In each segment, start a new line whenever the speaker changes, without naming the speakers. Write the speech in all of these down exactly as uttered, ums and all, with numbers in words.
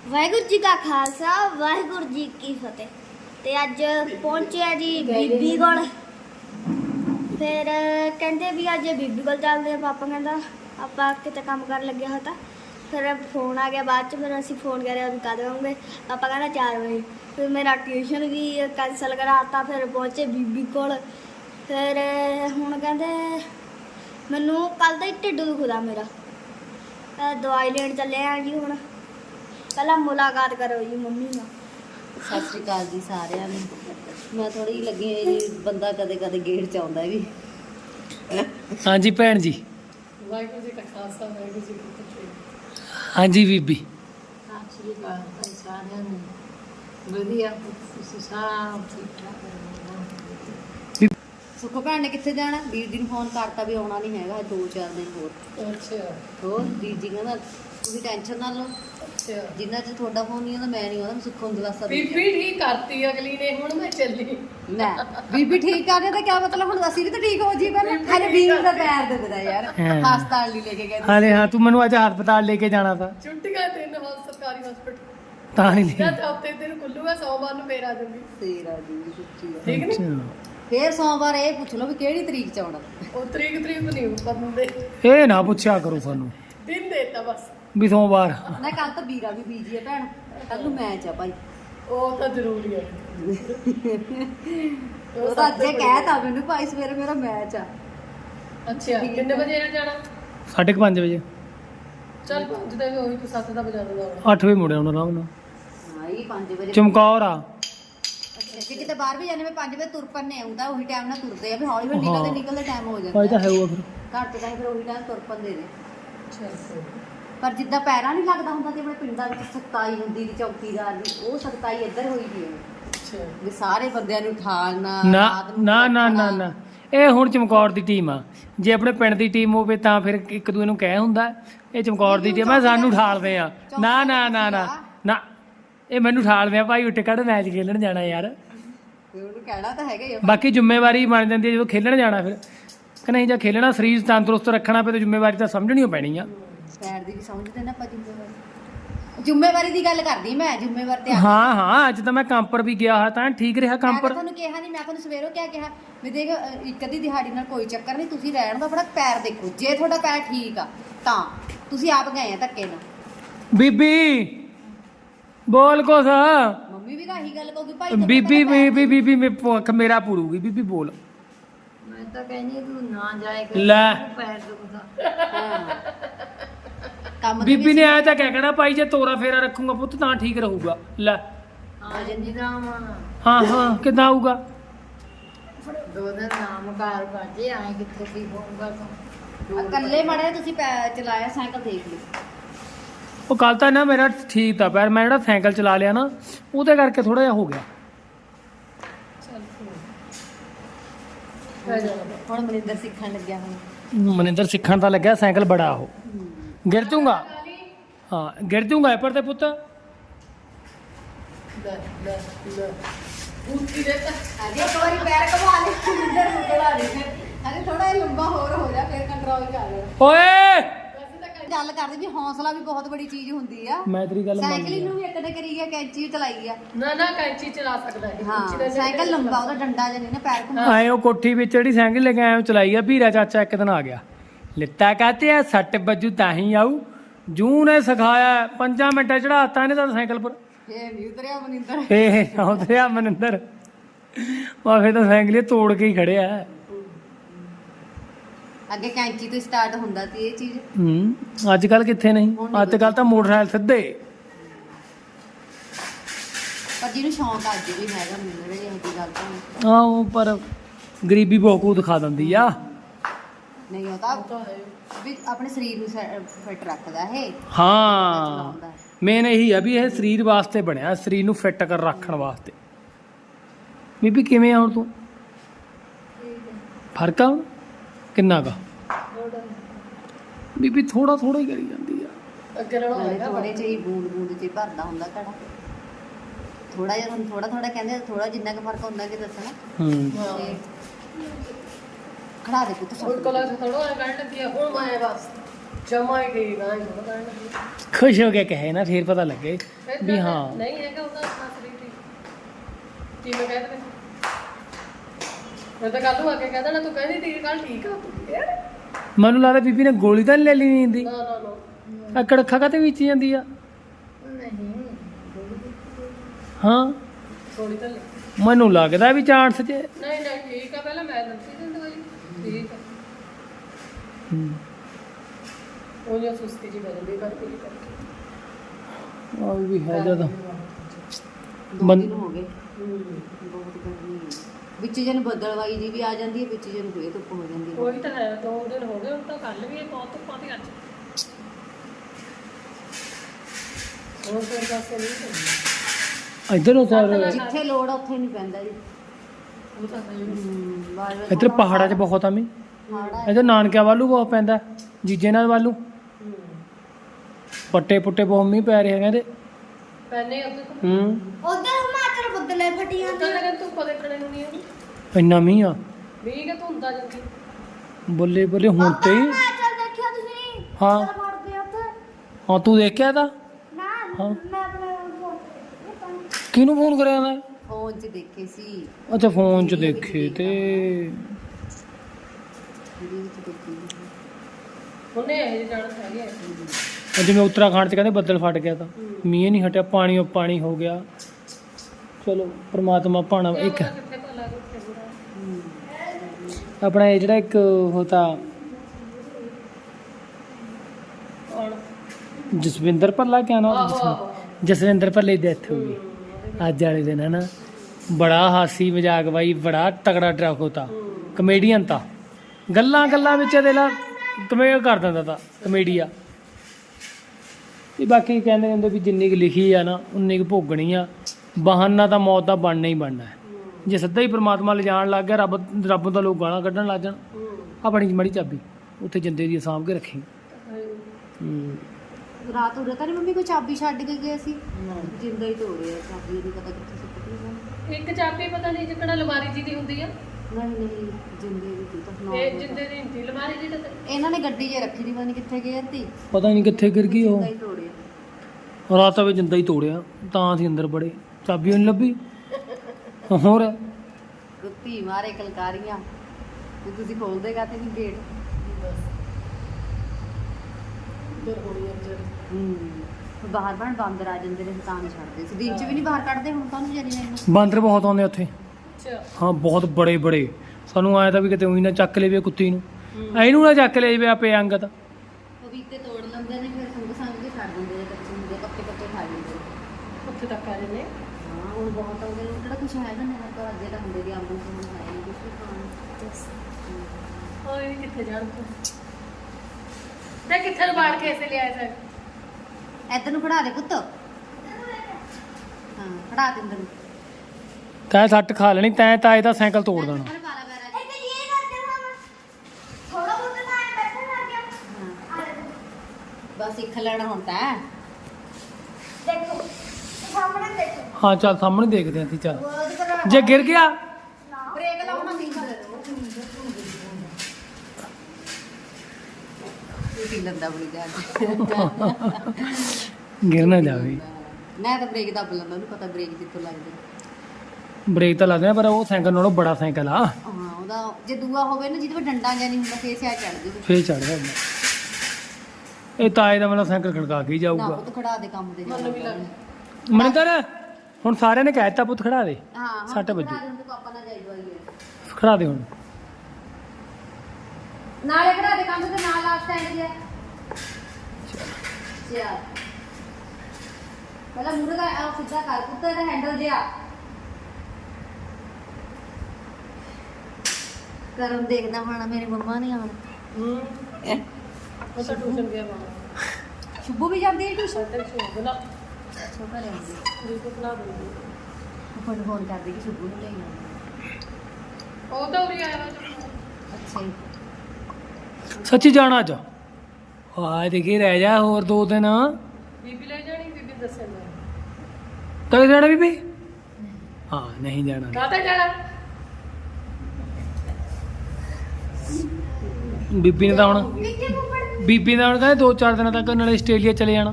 ਵਾਹਿਗੁਰੂ ਜੀ ਕਾ ਖਾਲਸਾ ਵਾਹਿਗੁਰੂ ਜੀ ਕੀ ਫਤਿਹ। ਤੇ ਅੱਜ ਪਹੁੰਚਿਆ ਜੀ ਬੀਬੀ ਕੋਲ। ਫਿਰ ਕਹਿੰਦੇ ਵੀ ਅੱਜ ਬੀਬੀ ਕੋਲ ਚੱਲਦੇ ਆ। ਪਾਪਾ ਕਹਿੰਦਾ ਆਪਾਂ ਕਿਤੇ ਕੰਮ ਕਰਨ ਲੱਗਿਆ ਹੋਇਆ ਤਾਂ ਫਿਰ ਫੋਨ ਆ ਗਿਆ ਬਾਅਦ ਚ। ਫਿਰ ਅਸੀਂ ਫੋਨ ਕਰਿਆ ਵੀ ਕਦ ਆਉਂਗੇ। ਪਾਪਾ ਕਹਿੰਦਾ ਚਾਰ ਵਜੇ। ਫਿਰ ਮੇਰਾ ਟਿਊਸ਼ਨ ਵੀ ਕੈਂਸਲ ਕਰਾਤਾ। ਫਿਰ ਪਹੁੰਚੇ ਬੀਬੀ ਕੋਲ। ਫਿਰ ਹੁਣ ਕਹਿੰਦੇ ਮੈਨੂੰ ਕੱਲ ਦਾ ਹੀ ਢਿੱਡ ਦੁਖਦਾ ਮੇਰਾ। ਦਵਾਈ ਲੈਣ ਚੱਲੇ ਆ ਜੀ। ਹੁਣ ਪਹਿਲਾਂ ਮੁਲਾਕਾਤ ਕਰੋ ਜੀ ਮੰਮੀ ਨਾਲ।
ਸਤਿ ਸ਼੍ਰੀ ਅਕਾਲ ਜੀ ਸਾਰਿਆਂ ਨੂੰ। ਮੈਂ ਥੋੜੀ ਜਿਹੀ ਲੱਗੀ ਹੋਈ ਜੀ, ਬੰਦਾ ਕਦੇ ਕਦੇ ਗੇੜ ਚ ਆਉਂਦਾ ਵੀ।
ਹਾਂਜੀ ਭੈਣ ਜੀ।
ਵਾਹਿਗੁਰੂ ਜੀ ਕਾ ਖਾਲਸਾ ਵਾਹਿਗੁਰੂ ਜੀ ਕੀ ਫਤਿਹ।
ਹਾਂਜੀ ਬੀਬੀ।
ਸਤਿ ਸ਼੍ਰੀ ਅਕਾਲ ਭਾਈ ਸਾਰਿਆਂ ਨੂੰ। ਵਧੀਆ ਤੁਸੀਂ ਸਾਰਾ ਠੀਕ ਠਾਕ ਰਹੋ।
ਸੁੱਖੋ ਭੈਣ ਨੇ ਕਿੱਥੇ ਜਾਣਾ? ਵੀਰ ਜੀ ਨੂੰ ਫੋਨ ਕਰਤਾ ਵੀ ਆਉਣਾ ਨਹੀਂ ਹੈਗਾ ਦੋ ਚਾਰ ਦਿਨ ਹੋਰ।
ਅੱਛਾ
ਹੋਰ ਵੀਰ ਜੀ ਕਹਿੰਦਾ ਤੁਸੀਂ ਟੈਨਸ਼ਨ ਨਾ ਲਓ,
ਅੱਛਾ
ਜਿੰਨਾ ਚਿਰ ਤੁਹਾਡਾ ਫੋਨ ਨਹੀਂ ਆਉਂਦਾ ਮੈਂ ਨਹੀਂ ਆਉਂਦਾ। ਮੈਂ ਸੁੱਖੋ ਨੂੰ ਦਿਲਾਸਾ ਦੇ
ਬੀਬੀ ਠੀਕ ਕਰਤੀ ਅਗਲੀ ਨੇ। ਹੁਣ ਮੈਂ ਚੱਲੀ।
ਲੈ ਬੀਬੀ ਠੀਕ ਕਰ ਰਿਹਾ ਤਾਂ ਕੀ ਮਤਲਬ ਹੁਣ ਅਸੀਂ ਵੀ ਤਾਂ ਠੀਕ ਹੋ ਜੀ। ਪਹਿਲਾਂ ਹਲੇ ਵੀਰ ਦਾ ਪੈਰ ਦੁਖਦਾ ਯਾਰ।
ਹਾਂ।
ਹਸਪਤਾਲ ਨਹੀਂ ਲੈ ਕੇ ਗਏ
ਹਾਲੇ ਹਾਂ ਤੂੰ ਮੈਨੂੰ ਅੱਜ ਹਸਪਤਾਲ ਲੈ ਕੇ ਜਾਣਾ ਤਾਂ
ਛੁੱਟੀਆਂ ਦਿਨ ਹਾਂ ਸਰਕਾਰੀ ਹਸਪਤਾਲ।
ਤਾਂ ਨਹੀਂ
ਜਾਂ
ਲੈ
ਚੌਥੇ ਦਿਨ ਖੁੱਲੂਗਾ ਸੋਮਵਾਰ ਨੂੰ ਫੇਰ ਆ ਜਾਊਗੀ।
ਤੇਰਾ ਜੀ ਸੱਚੀ ਆ।
ਠੀਕ ਨੀ?
ਅੱਛਾ।
ਫੇਰ ਸੋਮਵਾਰ ਇਹ ਪੁੱਛ ਲਓ ਵੀ ਕਿਹੜੀ ਤਰੀਕ ਚ ਆਉਣਾ।
ਉਹ ਤਰੀਕ ਤਰੀਕ ਨਹੀਂ ਬੰਦੇ
ਇਹ ਨਾ ਪੁੱਛਿਆ ਕਰੋ ਸਾਨੂੰ
ਦਿਨ ਦੇਤਾ ਬਸ।
ਵੀ ਸੋਮਵਾਰ।
ਨਾ ਕੱਲ ਤਾਂ ਵੀਰਾ ਵੀ ਬੀਜੀ ਹੈ ਭੈਣ, ਕੱਲ ਨੂੰ ਮੈਚ ਆ ਭਾਈ।
ਉਹ ਤਾਂ ਜ਼ਰੂਰੀ ਹੈ।
ਉਹ ਤਾਂ ਅੱਜੇ ਕਹਿਤਾ ਮੈਨੂੰ ਭਾਈ ਸਵੇਰੇ ਮੇਰਾ ਮੈਚ ਆ।
ਅੱਛਾ ਕਿੰਨੇ ਵਜੇ ਆ ਜਾਣਾ?
ਸਾਢੇ ਕੁ ਪੰਜ ਵਜੇ।
ਚੱਲ ਪੰਜ ਦਾ ਵੀ ਉਹੀ ਤੂੰ ਸੱਤ ਦਾ ਵਜਾ ਦੇਗਾ।
ਅੱਠ ਵਜੇ ਮੁੜਿਆ ਉਹਨਾਂ ਆਰਾਮ ਨਾਲ।
ਹਾਂ ਇਹ ਪੰਜ ਵਜੇ
ਚਮਕੌਰ ਆ।
ਅੱਛਾ ਜੇ ਕਿਤੇ ਬਾਹਰ ਵੀ ਜਾਣੇ ਮੈਂ ਪੰਜ ਵਜੇ ਤੁਰ ਪੰਨੇ ਆਉਂਦਾ। ਉਹੀ ਟਾਈਮ ਨਾਲ ਤੁਰਦੇ ਆ ਵੀ ਹੌਲੀ ਹੌਲੀ ਨਿਕਲਦੇ ਨਿਕਲਦੇ ਟਾਈਮ ਹੋ ਜਾਂਦਾ।
ਭਾਈ ਤਾਂ ਹੈ ਉਹ ਫਿਰ
ਘਰ ਤੇ ਜਾਈ ਫਿਰ ਉਹੀ ਟਾਈਮ ਤੁਰ ਪੰਦੇ ਨੇ।
ਅੱਛਾ
ਪਰ ਜਿੱਦਾਂ ਪੈਰਾਂ ਨਹੀਂ ਲੱਗਦਾ ਹੁੰਦਾ ਤੇ ਆਪਣੇ ਪਿੰਡਾਂ ਵਿੱਚ ਸਖਤਾਈ ਹੁੰਦੀ ਦੀ ਚੌਕੀਦਾਰ ਦੀ, ਉਹ ਸਖਤਾਈ ਇੱਧਰ ਹੋਈ ਦੀ ਹੈ
ਅੱਛਾ
ਵੀ ਸਾਰੇ ਬੰਦਿਆਂ ਨੂੰ ਉਠਾਲਣਾ।
ਨਾ
ਰਾਤ ਨੂੰ
ਨਾ ਨਾ ਨਾ
ਬੈਠਣਾ।
ਨਾ ਇਹ ਹੁਣ ਚਮਕੌਰ ਦੀ ਟੀਮ ਆ। ਜੇ ਆਪਣੇ ਪਿੰਡ ਦੀ ਟੀਮ ਹੋਵੇ ਤਾਂ ਫਿਰ ਇੱਕ ਦੂਏ ਨੂੰ ਕਹਿ ਹੁੰਦਾ ਇਹ ਚਮਕੌਰ ਦੀ ਟੀਮ ਆ ਸਾਨੂੰ ਠਾਲਦੇ ਆ। ਨਾ ਨਾ ਨਾ ਨਾ ਨਾ ਇਹ ਮੈਨੂੰ ਠਾਲਦੇ ਆ ਭਾਈ। ਉੱਠ ਕੱਢ ਮੈਚ ਖੇਲਣ ਜਾਣਾ ਯਾਰ।
ਤੇ ਉਹਨੂੰ ਕਹਿਣਾ ਤਾਂ ਹੈਗਾ ਹੀ ਆ।
ਬਾਕੀ ਜ਼ਿੰਮੇਵਾਰੀ ਬਣ ਜਾਂਦੀ ਹੈ ਜਦੋਂ ਖੇਲਣ ਜਾਣਾ ਫਿਰ ਕਿ ਨਹੀਂ। ਜਾਂ ਖੇਲਣਾ ਸਰੀਰ ਤੰਦਰੁਸਤ ਰੱਖਣਾ ਪਏ ਤਾਂ ਜ਼ਿੰਮੇਵਾਰੀ ਤਾਂ ਸਮਝਣੀ ਓ ਪੈਣੀ ਆ।
ਪੈਰ ਦੀ ਵੀ ਸਮਝਦੇ ਨਾ ਆਪਾਂ ਜ਼ਿੰਮੇਵਾਰੀ। ਜ਼ਿੰਮੇਵਾਰੀ ਦੀ ਗੱਲ ਕਰਦੀ ਮੈਂ। ਜ਼ਿੰਮੇਵਾਰ ਤੇ ਆ।
ਹਾਂ ਹਾਂ ਅੱਜ ਤਾਂ ਮੈਂ ਕੰਮ ਪਰ ਵੀ ਗਿਆ ਹਾਂ ਤਾਂ ਠੀਕ ਰਿਹਾ ਕੰਮ
ਮੈਂ
ਪਰ।
ਤੁਹਾਨੂੰ ਕਿਹਾ ਨਹੀਂ, ਮੈਂ ਤੁਹਾਨੂੰ ਸਵੇਰੋਂ ਕਿਆ ਕਿਹਾ ਵੀ ਦੇਖ ਅ, ਇੱਕ ਅੱਧੀ ਦਿਹਾੜੀ ਨਾਲ ਕੋਈ ਚੱਕਰ ਨਹੀਂ, ਤੁਸੀਂ ਰਹਿਣ ਦਾ ਆਪਣਾ ਪੈਰ ਦੇਖੋ। ਜੇ ਤੁਹਾਡਾ ਪੈਰ ਠੀਕ ਆ ਤਾਂ ਤੁਸੀਂ ਆਪ ਗਏ ਆ ਧੱਕੇ ਨਾਲ।
ਬੀਬੀ ਬੋਲ ਕੁਛ।
ਮੰਮੀ ਵੀ ਕਾਹੀ ਗੱਲ ਕਹੂਗੀ ਭਾਈ ਤੁਹਾਡਾ
ਬੀਬੀ
ਪੈਰ
ਬੀਬੀ ਬੀਬੀ ਮੇ ਭੁੱਖ ਮੇਰਾ ਪੂਰੂਗੀ। ਬੀਬੀ ਬੋਲ।
ਮੈਂ ਤਾਂ ਕਹਿੰਦੀ ਤੂੰ ਨਾ ਜਾਏ
ਲੈ
ਪੈਰ ਦੁਖਦਾ।
ਹਾਂ। ਕੰਮ ਦੀ
ਬੀਬੀ ਨੇ ਆਇਆ ਤਾਂ ਕਹਿ ਕਹਿਣਾ ਭਾਈ ਜੇ ਤੋਰਾ ਫੇਰਾ ਰੱਖੂਗਾ ਪੁੱਤ ਤਾਂ ਠੀਕ ਰਹੂਗਾ। ਲੈ
ਹਾਂ ਜਿੰਦੀ ਦਾ
ਹਾਂ ਹਾਂ ਕਿੱਦਾਂ ਆਊਗਾ?
ਦੋ ਦਿਨ ਨਾਮ ਘਰ ਬਾਜੇ ਆਏ ਕਿੱਥੇ ਕੀ ਹੋਊਗਾ ਤਾਂ
ਇਕੱਲੇ ਮੜੇ ਤੁਸੀਂ ਪੈਰ ਚਲਾਇਆ ਸਾਈਕਲ ਦੇਖ ਲਈ।
ਉਹ ਕੱਲ ਤਾਂ ਨਾ ਮੇਰਾ ਠੀਕ ਤਾਂ ਪੈਰ। ਮੈਂ ਜਿਹੜਾ ਸਾਈਕਲ ਚਲਾ ਲਿਆ ਨਾ ਉਹਦੇ ਕਰਕੇ ਥੋੜਾ ਜਿਹਾ ਹੋ ਗਿਆ।
ਚੱਲ ਪੈ ਜਾ।
ਹੁਣ ਮਨਿੰਦਰ ਸਿੱਖਣ ਲੱਗਿਆ ਹੁਣ।
ਮਨਿੰਦਰ ਸਿੱਖਣ ਤਾਂ ਲੱਗਿਆ। ਸਾਈਕਲ ਬੜਾ ਉਹ ਗਿਰ ਜੂਗਾ। ਹਾਂ ਗਿਰ ਜੂਗਾ ਪਰ ਤੇ ਪੁੱਤ।
ਲੈ ਲੈ ਲੈ ਉੱਤੀ ਦੇ ਤਾਂ
ਅਜੇ ਇੱਕ ਵਾਰੀ ਪੈਰ ਘੁਮਾ ਲੈ ਮਨਿੰਦਰ ਨੂੰ ਘੁਮਾ ਦੇ। ਅਜੇ ਥੋੜਾ ਜਿਹਾ ਲੰਬਾ ਹੋਰ ਹੋ ਜਾ ਫਿਰ ਕੰਟਰੋਲ ਕਰ ਲੈ।
ਓਏ
ਗੱਲ ਕਰਦੇ ਵੀ ਹੌਸਲਾ ਵੀ ਬਹੁਤ ਬੜੀ ਚੀਜ਼ ਹੁੰਦੀ ਆ।
ਮੈਂ ਤੇਰੀ ਗੱਲ ਮੰਨ
ਸਾਈਕਲਿੰਗ
ਲਿਆ।
ਨੂੰ ਵੀ ਇੱਕ ਨੇ ਕਰੀ ਗਿਆ, ਕੈਂਚੀ ਚਲਾਈ ਆ।
ਨਾ ਨਾ ਕੈਂਚੀ ਚਲਾ ਸਕਦਾ ਹੈ।
ਹਾਂ ਸਾਈਕਲ ਲੰਬਾ ਉਹਦਾ ਡੰਡਾ ਜਿਹਾ ਨਹੀਂ ਨਾ ਪੈਰ ਘੁਮਾ।
ਆਏ ਉਹ ਕੋਠੀ ਵਿੱਚ ਜਿਹੜੀ ਸਾਈਕਲ ਲੈ ਕੇ ਆਇਆ ਉਹ ਚਲਾਈ ਆ। ਵੀਰਾ ਚਾਚਾ ਇੱਕ ਦਿਨ ਆ ਗਿਆ। ਲਿੱਤਾ ਕਹਤੇ ਆ ਸੱਟ ਵੱਜੂ ਤਾਂ ਹੀ ਆਊ। ਜੂ ਨੇ ਸਿਖਾਇਆ ਪੰਜਾਂ ਮਿੰਟਾਂ ਚੜਾਤਾ ਇਹਨੇ ਤਾਂ ਸਾਈਕਲ ਪਰ।
ਫੇਰ ਨਹੀਂ ਉਤਰਿਆ ਮਨਿੰਦਰ।
ਇਹ ਉਤਰਿਆ ਮਨਿੰਦਰ। ਮਾਫੇ ਤਾਂ ਸਾਈਕਲ ਹੀ ਤੋੜ ਕੇ ਹੀ ਖੜਿਆ।
ਅੱਗੇ ਕੈਂਚੀ ਤੋਂ ਸਟਾਰਟ ਹੁੰਦਾ ਸੀ ਇਹ ਚੀਜ਼।
ਹੂੰ ਅੱਜ ਕੱਲ ਕਿੱਥੇ ਨਹੀਂ। ਅੱਜ ਕੱਲ ਤਾਂ ਮੋਟਰਸਾਈਕਲ ਸਿੱਧੇ।
ਪਰ ਜਿਹਨੂੰ ਸ਼ੌਂਕ ਆ ਅੱਜ ਵੀ ਹੈਗਾ ਮਨਿੰਦਰ ਇਹ ਦੀ ਗੱਲ ਤਾਂ
ਆਹੋ ਪਰ ਗਰੀਬੀ ਬਹੁਤ ਦਿਖਾ ਦਿੰਦੀ ਆ।
ਨਹੀਂ ਉਹ ਤਾਂ ਵੀ ਆਪਣੇ ਸਰੀਰ ਨੂੰ ਫਿੱਟ ਰੱਖਦਾ ਇਹ।
ਹਾਂ
ਚਲਾਉਂਦਾ।
ਮੇਨ ਇਹੀ ਆ ਵੀ ਇਹ ਸਰੀਰ ਵਾਸਤੇ ਬਣਿਆ। ਸਰੀਰ ਨੂੰ ਫਿੱਟ ਕਰ ਰੱਖਣ ਵਾਸਤੇ। ਬੀਬੀ ਕਿਵੇਂ ਆ ਹੁਣ ਤੂੰ? ਫਰਕ ਆ ਹੁਣ ਕਿੰਨਾ ਕਾ? ਬੀਬੀ ਥੋੜਾ ਥੋੜਾ ਹੀ ਕਰੀ ਜਾਂਦੀ ਆ।
ਅੱਗੇ ਨਾਲੋਂ
ਨਾਲੇ
ਹੈਗਾ
ਥੋੜੇ ਜਿਹੀ ਬੂੰਦ ਬੂੰਦ ਚ ਹੀ ਭਰਦਾ ਹੁੰਦਾ ਘੜਾ। ਥੋੜਾ ਜਿਹਾ ਹੁਣ ਥੋੜਾ ਥੋੜਾ ਕਹਿੰਦੇ ਥੋੜਾ ਜਿੰਨਾ ਕੁ ਫਰਕ ਹੁੰਦਾ ਕਿ ਦੱਸਣਾ।
ਹੂੰ
ਹਾਂ
ਤੇ ਖੜਾ ਦੇ ਪੁੱਤ
ਹੁਣ
ਸਭ
ਕੋਲਾ ਥੋੜਾ ਕੱਢ ਲੱਗੀ ਹੁਣ ਮੈਂ ਬਸ ਜਮਾ ਹੀ ਗਈ ਨਾ ਇਹ ਪਤਾ ਨਹੀਂ
ਖੁਸ਼ ਹੋ ਕੇ ਕਹੇ ਨਾ ਫਿਰ ਪਤਾ ਲੱਗੇ ਵੀ ਹਾਂ
ਨਹੀਂ ਹੈਗਾ ਉਹਦਾ ਹੱਸ ਰਹੀ ਸੀ ਕੀ ਮੈਂ ਕਹਿ ਦਵੇਂ ਮੈਂ ਤਾਂ ਕੱਲ ਨੂੰ ਆ ਕੇ ਕਹਿ ਦੇਣਾ ਤੂੰ ਕਹਿੰਦੀ ਤੇਰੀ ਗੱਲ ਠੀਕ ਆ
ਮੈਨੂੰ ਲੱਗਦਾ ਬੀਬੀ ਨੇ ਗੋਲੀ ਤਾਂ ਨੀ ਲੈ ਲਈ ਨੀਂਦ ਦੀ
ਨਾ ਨਾ ਨਾ
ਅਕੜ ਅੱਖਾਂ ਕਾਤੇ ਵਿੱਚ ਜਾਂਦੀ ਆ
ਨਹੀਂ
ਹਾਂ
ਥੋੜੀ ਤਾਂ ਲੈ
ਮੈਨੂੰ ਲੱਗਦਾ ਵੀ ਚਾਂਸ 'ਚ
ਨਹੀਂ ਨਹੀਂ ਠੀਕ ਆ ਪਹਿਲਾਂ ਮੈਂ ਦੱਸੀ ਦਿੰਦੀ ਦਵਾਈ ਠੀਕ ਆ
ਹੂੰ।
ਉਹ ਜੋ ਸੁਸਤੀ ਜੀ ਬਦਲਦੀ ਕਰਕੇ ਹੀ ਕਰਕੇ
ਆ ਵੀ ਹੈ ਜਦੋਂ
ਦੋ
ਬੰ-
ਦਿਨ ਹੋ ਗਏ ਬਹੁਤ ਗਰਮੀ ਹੈ ਵਿੱਚ ਜਨ ਬੱਦਲਵਾਈ ਜੀ ਵੀ ਆ ਜਾਂਦੀ ਹੈ ਵਿੱਚ ਜਨ ਫੇਰ ਧੁੱਪ ਹੋ ਜਾਂਦੀ ਹੈ
ਕੋਈ ਤਾਂ ਹੈ ਦੋ ਦਿਨ ਹੋ ਗਏ ਹੁਣ ਤਾਂ ਕੱਲ ਵੀ ਬਹੁਤ ਧੁੱਪਾਂ ਦੀ ਅੱਜ ਹੋਰ ਫਿਰ ਪਾਸੇ ਨਹੀਂ ਕਰਨਾ
ਇੱਧਰ ਸਾਰੇ
ਜਿੱਥੇ ਲੋੜ ਆ ਉੱਥੇ ਨਹੀਂ ਪੈਂਦਾ ਜੀ
ਉਹ ਤਾਂ ਹੈ ਹੀ।
ਹੂੰ, ਬਾਰ ਬਾਰ
ਇੱਧਰ ਪਹਾੜਾਂ 'ਚ ਬਹੁਤ ਆ ਮੀ
ਪਹਾੜਾ
ਇੱਧਰ ਨਾਨਕਿਆਂ ਵੱਲੋਂ ਬਹੁਤ ਪੈਂਦਾ ਜੀਜੇ ਨਾਲ ਵੱਲੋਂ
ਹੂੰ
ਪੱਟੇ ਪੁੱਟੇ ਬਹੁਤ ਮੀਂਹ ਪੈ ਰਹੇ ਕਹਿੰਦੇ
ਪੈਨੇ ਉੱਤੇ ਤਾਂ
ਹੂੰ
ਉਧਰ ਹਿਮਾਚਲ ਬੱਦਲੇ ਫਟੀ ਜਾਂਦੇ
ਉੱਤੇ ਲਗੇ ਧੁੱਪ ਦੇਖਣੇ ਨੂੰ ਨਹੀਂ ਆਉਂਦੀ
ਇੰਨਾ ਮੀਂਹ ਆ
ਵੀ ਕਿ ਧੁੰਦਾ ਜਾਂਦੀ
ਬੱਲੇ ਬੱਲੇ ਹੁਣ ਤੇ ਹੀ।
ਹਿਮਾਚਲ ਦੇਖਿਆ ਤੁਸੀਂ
ਹਾਂ।
ਬੱਦਲ ਫਟਦੇ ਆ ਉੱਥੇ
ਹਾਂ ਤੂੰ ਦੇਖਿਆ ਤਾਂ
ਨਾ
ਹਾਂ।
ਮੈਂ ਆਪਣੇ ਫੋਨ ਤੇ
ਕਿਹਨੂੰ ਫੋਨ ਕਰਿਆ ਮੈਂ
ਫੋਨ 'ਚ ਦੇਖੇ ਸੀ
ਅੱਛਾ ਫੋਨ 'ਚ ਦੇਖੇ ਤੇ
ਵੀਡੀਓ 'ਚ ਦੇਖੀ ਸੀ।
ਉਹਨੇ ਇਹ ਜਿਹੇ ਜਾਣ ਹੈਗੇ ਆ।
ਅੱਜ ਜਿਵੇਂ ਉੱਤਰਾਖੰਡ 'ਚ ਕਹਿੰਦੇ ਬੱਦਲ ਫਟ ਗਿਆ ਤਾਂ ਮੀਂਹ ਨਹੀਂ ਹਟਿਆ ਪਾਣੀ ਓ ਪਾਣੀ ਹੋ ਗਿਆ ਚਲੋ ਪ੍ਰਮਾਤਮਾ ਭਾਣਾ ਇੱਕ
ਕਿੱਥੇ ਭਲਾ ਕਿੱਥੇ ਬੁਰਾ
ਆਪਣਾ ਇਹ ਜਿਹੜਾ ਇੱਕ ਹੋਤਾ
ਔਰ
ਜਸਵਿੰਦਰ ਭੱਲਾ ਕਿਆ ਨਾਮ
ਆਹੋ ਆਹੋ
ਜਸਵਿੰਦਰ ਭੱਲੇ ਦੀ ਡੈਥ ਹੋ ਗਈ ਅੱਜ ਵਾਲੇ ਦਿਨ ਹੈ ਨਾ ਬੜਾ ਹਾਸੀ ਮਜ਼ਾਕ ਬਾਈ ਬੜਾ ਤਗੜਾ ਟਰੱਕ ਹੋਤਾ ਕਮੇਡੀਅਨ ਤਾਂ ਗੱਲਾਂ ਗੱਲਾਂ ਵਿੱਚ ਇਹਦੇ ਲਾ ਕਮੇ ਕਰ ਦਿੰਦਾ ਤਾ ਕਮੇਡੀਆ ਤੇ ਬਾਕੀ ਕਹਿੰਦੇ ਹੁੰਦੇ ਵੀ ਜਿੰਨੀ ਕੁ ਲਿਖੀ ਆ ਨਾ ਉਨੀ ਕੁ ਭੋਗਣੀ ਆ ਬਹਾਨਾ ਤਾਂ ਮੌਤ ਦਾ ਬਣਨਾ ਹੀ ਬਣਨਾ ਹੈ ਜੇ ਸਿੱਧਾ ਹੀ ਪ੍ਰਮਾਤਮਾ ਲਿਜਾਣ ਲੱਗ ਗਿਆ ਰੱਬ ਰੱਬ ਦਾ ਲੋਕ ਗਾਲਾਂ ਕੱਢਣ ਲੱਗ ਜਾਣ ਆਪਣੀ ਮੜੀ ਚਾਬੀ ਉੱਥੇ ਜਿੰਦੇ ਦੀ ਸਾਂਭ ਕੇ ਰੱਖੀ ਹੂੰ
ਰਾਤ ਉਰੇ ਤਾਂ ਨਹੀਂ ਮੰਮੀ ਕੋਈ ਚਾਬੀ ਛੱਡ ਕੇ ਗਏ ਸੀ ਜਿੰਦਾ ਹੀ ਤੋੜਿਆ ਚਾਬੀ ਨਹੀਂ ਪਤਾ ਕਿੱਥੇ ਸੁੱਟ ਗਈ
ਇੱਕ ਚਾਬੀ ਪਤਾ ਨਹੀਂ ਜਿੱਕਣਾ ਅਲਮਾਰੀ ਜੀ ਦੀ ਹੁੰਦੀ ਆ
ਨਹੀਂ ਨਹੀਂ ਜਿੰਦੇ ਦੀ ਸੀ ਤਾਂ
ਇਹ
normal
ਜਿੰਦੇ ਦੀ ਹੁੰਦੀ ਅਲਮਾਰੀ ਜੀ ਤਾਂ
ਇਹਨਾਂ ਨੇ ਗੱਡੀ 'ਚ ਰੱਖੀ ਦੀ ਪਤਾ ਨਹੀਂ ਕਿੱਥੇ ਗਈ ਤੀ
ਪਤਾ ਨਹੀਂ ਕਿੱਥੇ ਗਿਰ ਗਈ ਉਹ
ਜਿੰਦਾ ਹੀ ਤੋੜਿਆ
ਰਾਤ ਤਾਂ ਵੀ ਜਿੰਦਾ ਹੀ ਤੋੜਿਆ ਤਾਂ ਅਸੀਂ ਅੰਦਰ ਬੜੇ ਚਾਬੀ ਨਹੀਂ ਲੱਭੀ ਹੋਰ
ਕੁੱਤੀ ਮਾਰੇ ਕਲਕਾਰੀਆਂ ਤੇ ਤੁਸੀਂ ਖੋਲ ਦੇਗਾ ਤੇ ਵੀ ਗੇਟ
ਦਰ ਹੋਣੀ ਆ ਵਿਚਾਰੀ
ਹੂੰ ਬਾਹਰ ਬਣ ਬਾਂਦਰ ਆ ਜਾਂਦੇ ਨੇ ਤਾਂ ਨਹੀਂ ਛੱਡਦੇ ਸੀ ਦਿਨ 'ਚ ਵੀ ਨਹੀਂ ਬਾਹਰ ਕੱਢਦੇ ਹੁਣ ਤਾਂ ਨਹੀਂ ਜਰੀਆਂ ਇਹਨਾਂ
ਬਾਂਦਰ ਬਹੁਤ ਆਉਂਦੇ ਉੱਥੇ
ਅੱਛਾ
ਹਾਂ ਬਹੁਤ ਬੜੇ ਬੜੇ ਸਾਨੂੰ ਆਇਆ ਤਾਂ ਵੀ ਕਿਤੇ ਉਹੀ ਨਾ ਚੱਕ ਲੇਵੇ ਕੁੱਤੀ ਨੂੰ ਇਹਨੂੰ ਨਾ ਚੱਕ ਲੇਵੇ ਆਪੇ ਅੰਗਤ
ਪਪੀਤੇ ਤੋੜ ਲੈਂਦੇ ਨੇ ਫਿਰ ਸੰਗ ਸੰਗ ਕੇ ਛੱਡ ਦਿੰਦੇ ਨੇ ਕੱਚੇ ਹੁੰਦੇ ਪੱਕੇ ਪੱਕੇ ਖਾ ਲੈਂਦੇ ਨੇ।
ਉੱਥੇ ਤੱਕ ਆ ਜੰਨੇ
ਹਾਂ ਹੁਣ ਬਹੁਤ ਹੋ ਗਏ ਨੇ ਕਿਹੜਾ ਕੁਛ ਹੈਗਾ ਨਾ ਪਰ ਅੱਗੇ ਤਾਂ ਹੁੰਦੇ ਦੀ ਅੰਬ ਨੂੰ ਖਾਏ ਨਹੀਂ ਕੁਛ ਵੀ ਖਾਣ
ਓਏ ਕਿੱਥੇ ਜਾਣ ਤੂੰ ਤੇ ਕਿੱਥੇ ਨੂੰ ਬਾੜ ਕੇ ਐਸੇ ਲਿਆਇਆ ਸਰ
ਇੱਧਰ ਨੂੰ ਖੜਾ ਦੇ ਪੁੱਤ ਹਾਂ ਖੜਾ ਦੇ ਅੰਦਰ ਨੂੰ
ਤੈਂ ਸੱਟ ਖਾ ਲੈਣੀ ਤੈਂ ਤਾਂ ਇਹਦਾ ਸਾਈਕਲ ਤੋੜ ਦੇਣਾ
ਅਰੇ ਬਾਲਾ ਬੈਰਾ
ਇੱਕ ਇਹ ਕਰਦੇ ਹਾਂ ਥੋੜਾ ਬਹੁਤ ਤਾਂ ਐਂ ਬੈਠਣ ਲੱਗ ਗਿਆ
ਹਾਂ
ਆ ਲੈ
ਬਸ ਸਿੱਖ ਲੈਣਾ ਹੁਣ ਤਾਂ
ਦੇਖੋ ਸਾਹਮਣੇ ਦੇਖੋ
ਹਾਂ ਚੱਲ ਸਾਹਮਣੇ ਦੇਖਦੇ ਆਂ ਅਸੀਂ ਚੱਲ
ਬਹੁਤ ਕਰਾ
ਜੇ ਗਿਰ ਗਿਆ
ਬ੍ਰੇਕ ਲਾਉਣਾ ਸਿੱਖ ਇਹ ਲੰਦਾ ਬੜੀ ਜਾ
ਗਿਰ ਨਾ ਜਾਵੇ
ਨਾ ਤਾਂ ਬ੍ਰੇਕ ਦਾ ਬੁਲੰਦਾ ਨੂੰ ਪਤਾ ਬ੍ਰੇਕ ਜਿੱਥੋਂ ਲੱਗਦੀ
ਬ੍ਰੇਕ ਤਾਂ ਲੱਗਦਾ ਪਰ ਉਹ ਸਾਈਕਲ ਨਾਲੋਂ ਬੜਾ ਸਾਈਕਲ ਆ
ਹਾਂ ਉਹਦਾ ਜੇ ਦੂਆ ਹੋਵੇ ਨਾ ਜਿਹਦੇ ਵਿੱਚ ਡੰਡਾ ਜਿਹਾ ਨਹੀਂ ਹੁੰਦਾ ਫੇਰ ਸਿਆ ਚੜ ਜੂ
ਫੇਰ ਚੜਦਾ ਇਹ ਤਾਏ ਦਾ ਮੇਰਾ ਸਾਈਕਲ ਖੜਕਾ ਕੇ ਹੀ
ਨਾ
ਜਾਊਗਾ
ਪੁੱਤ ਖੜਾ ਦੇ ਕੰਮ ਤੇ
ਮਨ ਵੀ ਲੱਗ
ਮਨਿੰਦਰ ਹੁਣ ਸਾਰਿਆਂ ਨੇ ਕਹਿ ਦਿੱਤਾ ਪੁੱਤ ਖੜਾ ਦੇ
ਹਾਂ ਹੁਣ
ਸੱਟ
ਤੂੰ
ਵੱਜੂ।
ਖੜਾ ਦੇ, ਹੁਣ ਤੂੰ ਪਾਪਾ ਨਾਲ ਜਾਈ ਦਵਾਈ
ਖੜਾ ਦੇ ਹੁਣ
ਨਾਲੇ ਖੜਾ ਦੇ ਕੰਮ ਤੇ ਨਾਲ ਆ ਸਟੈਂਡ ਜਿਆ ਚਾ ਪਹਿਲਾਂ ਮੂਰੇ ਦਾ ਆ ਸਿੱਧਾ ਕਰ ਪੁੱਤ ਇਹਦਾ ਹੈਂਡਲ ਜਿਆ ਕਰਮ ਦੇਖਦਾ ਹੋਣਾ ਮੇਰੀ ਮੰਮਾ ਨੇ ਆਉਣਾ
ਹੂੰ ਉਹ ਤਾਂ ਟਿਊਸ਼ਨ ਗਿਆ ਬਾਹਰ
ਸ਼ੁਭੂ ਵੀ ਜਾਂਦੀ ਹੈ ਟਿਊਸ਼ਨ
ਸਾਡੇ ਛੋੜ ਬਣਾ
ਛੋਟਾ ਲੈਂਦੀ
ਜੀ ਕੋ ਖਲਾ ਦੇ
ਫੋਨ ਫੋਨ ਕਰਦੀ ਕਿ ਸ਼ੁਭੂ ਨੂੰ ਲੈ ਆਉਣਾ
ਉਹ ਤਾਂ ਉਰੀ ਆਇਆ ਵਾ
ਅੱਛਾ ਜੀ
ਸੱਚੀ ਜਾਣਾ ਅੱਜ ਆ ਦੇਖੀ ਰਹਿ ਜਾ ਹੋਰ ਦੋ ਦਿਨ
ਬੀਬੀ ਲੈ ਜਾਣੀ ਬੀਬੀ ਦੱਸੇ ਮੈਂ
ਤੱਕ ਜਾਣਾ ਬੀਬੀ ਹਾਂ ਨਹੀਂ ਜਾਣਾ
ਕਾਹਤੇ ਜਾਣਾ
ਬੀਬੀ ਨੇ ਤਾਂ ਹੁਣ
ਨਿੱਕੇ ਫੁੱਫੜ
ਬੀਬੀ ਨਾਲ ਕਹਿੰਦੇ ਦੋ ਚਾਰ ਦਿਨਾਂ ਤੱਕ ਨਾਲੇ ਆਸਟ੍ਰੇਲੀਆ ਚਲੇ ਜਾਣਾ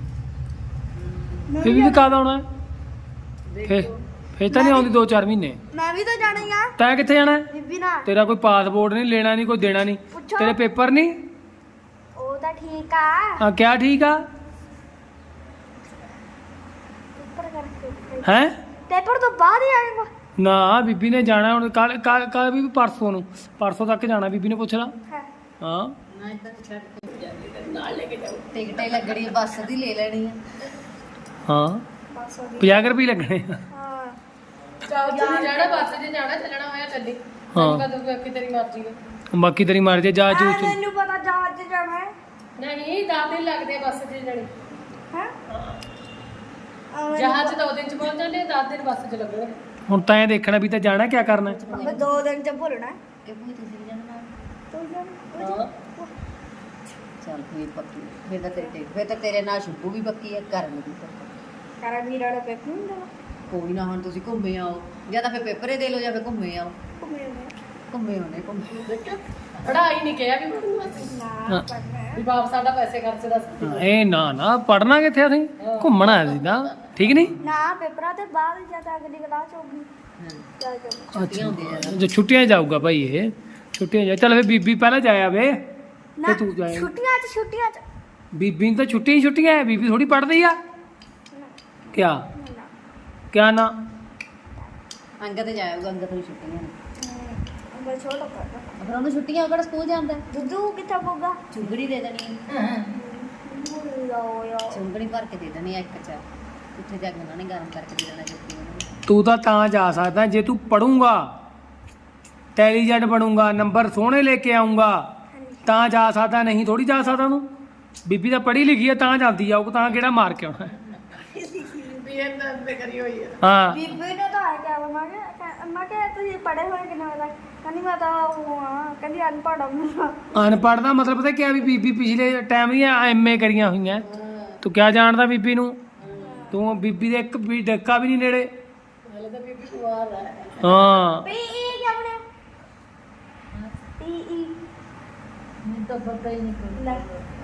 ਫਿਰ ਵੀ ਕਦ ਆਉਣਾ ਹੈ? ਫਿਰ ਫਿਰ ਤਾਂ ਨਹੀਂ ਆਉਂਦੀ ਦੋ ਚਾਰ ਮਹੀਨੇ
ਮੈਂ ਵੀ ਤਾਂ ਜਾਣਾ ਹੀ ਆ
ਤੈਂ ਕਿੱਥੇ ਜਾਣਾ ਹੈ?
ਬੀਬੀ ਨਾਲ
ਤੇਰਾ ਕੋਈ ਪਾਸਪੋਰਟ ਨਹੀਂ ਲੈਣਾ ਨਹੀਂ ਕੋਈ ਦੇਣਾ ਨਹੀਂ
ਪੁੱਛੋ।
ਤੇਰੇ ਪੇਪਰ ਨਹੀਂ
ਉਹ ਤਾਂ ਠੀਕ ਆ
ਹਾਂ ਕਿਆ ਠੀਕ ਆ
ਪੇਪਰ ਕਰਕੇ
ਹੈ
ਪੇਪਰ ਤੋਂ ਬਾਅਦ ਹੀ ਆਏਗਾ
ਨਾ ਬੀਬੀ ਨੇ ਜਾਣਾ ਹੁਣ ਕੱਲ ਕੱਲ ਵੀ ਪਰਸੋਂ ਨੂੰ ਪਰਸੋਂ ਤੱਕ ਜਾਣਾ ਬੀਬੀ ਨੇ ਪੁੱਛ ਲਾ
ਹੈ
ਹਾਂ
ਮੈਂ ਤਾਂ ਛੱਡ ਕੇ ਜਾਂਦੀ ਤੇ ਨਾਲ ਲੈ ਕੇ ਜਾਊ
ਟਿਕਟ ਹੀ ਲੱਗਣੀ ਹੈ, ਬੱਸ ਦੀ ਲੈ ਲੈਣੀ ਹੈ।
ਹਾਂ
ਬਸ ਹੋ ਗਈ
ਪੰਜਾਹ ਕੁ ਰੁਪਏ ਲੱਗਣੇ ਆ
ਹਾਂ
ਚਾਹ ਤੇ ਜਾਣਾ ਬੱਸ 'ਚ ਜਾਣਾ ਚੱਲਣਾ ਹੋਇਆ ਚੱਲੀ
ਹਾਂ।
ਕਦੋਂ ਬਾਕੀ ਤੇਰੀ ਮਰਜ਼ੀ ਹੈ
ਬਾਕੀ ਤੇਰੀ ਮਰਜ਼ੀ ਜਾ
ਆ
ਚੂਚ
ਮੈਨੂੰ ਪਤਾ ਜਹਾਜ਼ 'ਚ ਜਾਣਾ ਹੈ
ਨਹੀਂ ਦਸ ਦਿਨ ਲੱਗਦੇ ਆ ਬੱਸ 'ਚ ਜਾਣੀ
ਹੈ
ਜਹਾਜ਼ 'ਚ ਦੋ ਦਿਨ 'ਚ ਪਹੁੰਚ ਜਾਂਦੇ ਦਸ ਦਿਨ ਬੱਸ 'ਚ ਲੱਗਣਗੇ
ਹੁਣ ਤਾਂ ਇਹ ਦੇਖਣਾ ਵੀ ਤਾਂ ਜਾਣਾ ਕਿਆ ਕਰਨਾ ਹੈ?
ਮੈਂ ਦੋ ਦਿਨ 'ਚ ਭੁੱਲਣਾ ਹੈ।
ਕਿ ਭੂਈ ਤੁਸੀਂ ਵੀ ਜਾਣਾ ਨਾਲ?
ਤੂੰ ਜਾਣਾ
ਹਾਂ
ਚੱਲ ਫਿਰ ਪੱਕੀ ਫਿਰ ਤਾਂ ਤੇਰੀ ਟਿਕਟ ਫਿਰ ਤਾਂ ਤੇਰੇ ਨਾਲ ਸ਼ੁਭੂ ਵੀ ਪੱਕੀ ਹੈ, ਕਰਨ ਵੀ ਪੱਕੀ।
ਕਰਾ ਵੀਰ ਵਾਲੇ ਪੇਪਰ ਨਹੀਂ ਦੇਣਾ
ਕੋਈ ਨਾ ਹੁਣ ਤੁਸੀਂ ਘੁੰਮੇ ਆਓ ਜਾਂ ਤਾਂ ਫਿਰ ਪੇਪਰ ਹੀ ਦੇ ਲਓ ਜਾਂ ਫਿਰ ਘੁੰਮੇ ਆਓ
ਘੁੰਮੇ ਹੋਏ
ਘੁੰਮੇ ਹੋਣੇ ਘੁੰਮੇ
ਪੜ੍ਹਾਈ ਨਹੀਂ ਕਿਹਾ ਵੀ ਪੜ੍ਹਨਾ ਅਸੀਂ
ਨਾ
ਹਾਂ।
ਪੜਨਾ ਹੈ
ਵੀ ਬਾਪ ਸਾਡਾ ਪੈਸੇ ਖਰਚਦਾ ਸੀ
ਹਾਂ, ਇਹ ਨਾ ਨਾ ਪੜਨਾ ਕਿੱਥੇ ਅਸੀਂ ਘੁੰਮਣਾ ਅਸੀਂ ਤਾਂ ਠੀਕ ਨਹੀਂ
ਨਾ ਪੇਪਰਾਂ ਤੇ ਬਾਅਦ ਜਦ ਅਗਲੀ ਕਲਾਸ ਹੋਊਗੀ
ਹਾਂ
ਚੱਲ ਜਾਊਗੀ
ਛੁੱਟੀਆਂ ਹੁੰਦੀਆਂ
ਜੋ ਛੁੱਟੀਆਂ 'ਚ ਜਾਊਗਾ ਭਾਈ ਇਹ ਛੁੱਟੀਆਂ 'ਚ ਜਾ ਚੱਲ ਫਿਰ ਬੀਬੀ ਪਹਿਲਾਂ ਜਾਇਆ ਵੇ
ਨਾ
ਤੂੰ ਜਾਏਂ।
ਛੁੱਟੀਆਂ 'ਚ ਛੁੱਟੀਆਂ 'ਚ
ਬੀਬੀ ਨੂੰ ਤਾਂ ਛੁੱਟੀਆਂ ਹੀ ਛੁੱਟੀਆਂ ਹੈ ਬੀਬੀ ਥੋੜੀ ਪੜ੍ਹਦੀ ਆ ਕਿਆ
ਨਾ
ਕਿਆ ਨਾ
ਅੰਗਦ ਤੇ ਜਾਏਗਾ ਅੰਗਦ ਨੂੰ ਛੁੱਟੀਆਂ ਨੇ
ਅੰਗਲ ਛੋਟਾ ਕਰਦਾ
ਫਿਰ ਉਹਨੂੰ ਛੁੱਟੀਆਂ ਉਹ ਕਿਹੜਾ ਸਕੂਲ ਜਾਂਦਾ ਹੈ?
ਦੁੱਧੂ ਕਿੱਥੇ ਪਊਗਾ
ਚੁੰਗੜੀ ਦੇ ਦੇਣੀ ਹੈ।
ਯੋ ਯੋ
ਚੁੰਗੜੀ ਭਰ ਕੇ ਦੇ ਦੇਣੀ ਹੈ ਇੱਕ ਚ ਉੱਥੇ ਜਾ ਕੇ ਉਹਨਾਂ ਨੇ ਗਰਮ ਕਰਕੇ ਦੇ ਦੇਣਾ ਜੁੱਤੀ ਉਹਨੂੰ।
ਤੂੰ ਤਾਂ ਤਾਂ ਜਾ ਸਕਦਾ ਜੇ ਤੂੰ ਪੜੂੰਗਾ ਇੰਟੈਲੀਜੈਂਟ ਬਣੂੰਗਾ ਨੰਬਰ ਸੋਹਣੇ ਲੈ ਕੇ ਆਉਂਗਾ ਤਾਂ ਜਾ ਸਕਦਾ ਨਹੀਂ ਥੋੜੀ ਜਾ ਸਕਦਾ ਉਹਨੂੰ ਬੀਬੀ ਤਾਂ ਪੜ੍ਹੀ ਲਿਖੀ ਹੈ ਤਾਂ ਜਾਂਦੀ ਆ ਉਹ ਤਾਂ ਕਿਹੜਾ ਮਾਰ ਕੇ ਆਉਣਾ
ਵੀ ਇਹਨਾਂ ਤੇ ਕਰੀ ਹੋਈ ਹੈ
ਹਾਂ
ਬੀਬੀ ਨੇ ਤਾਂ ਆਇਆ ਕਿਹਾ ਮੈਂ ਕਿਹਾ ਮੈਂ ਕਿਹਾ ਤੁਸੀਂ ਪੜ੍ਹੇ ਹੋਏ ਕਿੰਨੇ ਵਜੇ ਤੱਕ ਕਹਿੰਦੀ ਮੈਂ ਤਾਂ ਉਹ ਆ ਕਹਿੰਦੀ ਅਨਪੜ੍ਹ ਆ ਮੈਂ
ਅਨਪੜ੍ਹ ਦਾ ਮਤਲਬ ਪਤਾ ਕਿਆ ਵੀ ਬੀਬੀ ਪਿਛਲੇ ਟਾਈਮ ਦੀਆਂ ਐਮਏ ਕਰੀਆਂ ਹੋਈਆਂ ਤੂੰ ਕਿਆ ਜਾਣਦਾ ਬੀਬੀ ਨੂੰ ਤੂੰ ਬੀਬੀ ਦੇ ਇੱਕ ਵੀ ਡੱਕਾ ਵੀ ਨਹੀਂ ਨੇੜੇ
ਹਲੇ ਤਾਂ ਬੀਬੀ ਕੁਆਰ ਹੈ
ਹਾਂ
ਪੀ ਈ ਕਿਆ ਬਣਿਆ ਪੀ ਈ
ਮੈਨੂੰ ਤਾਂ ਪਤਾ ਹੀ ਨਹੀਂ
ਲੈ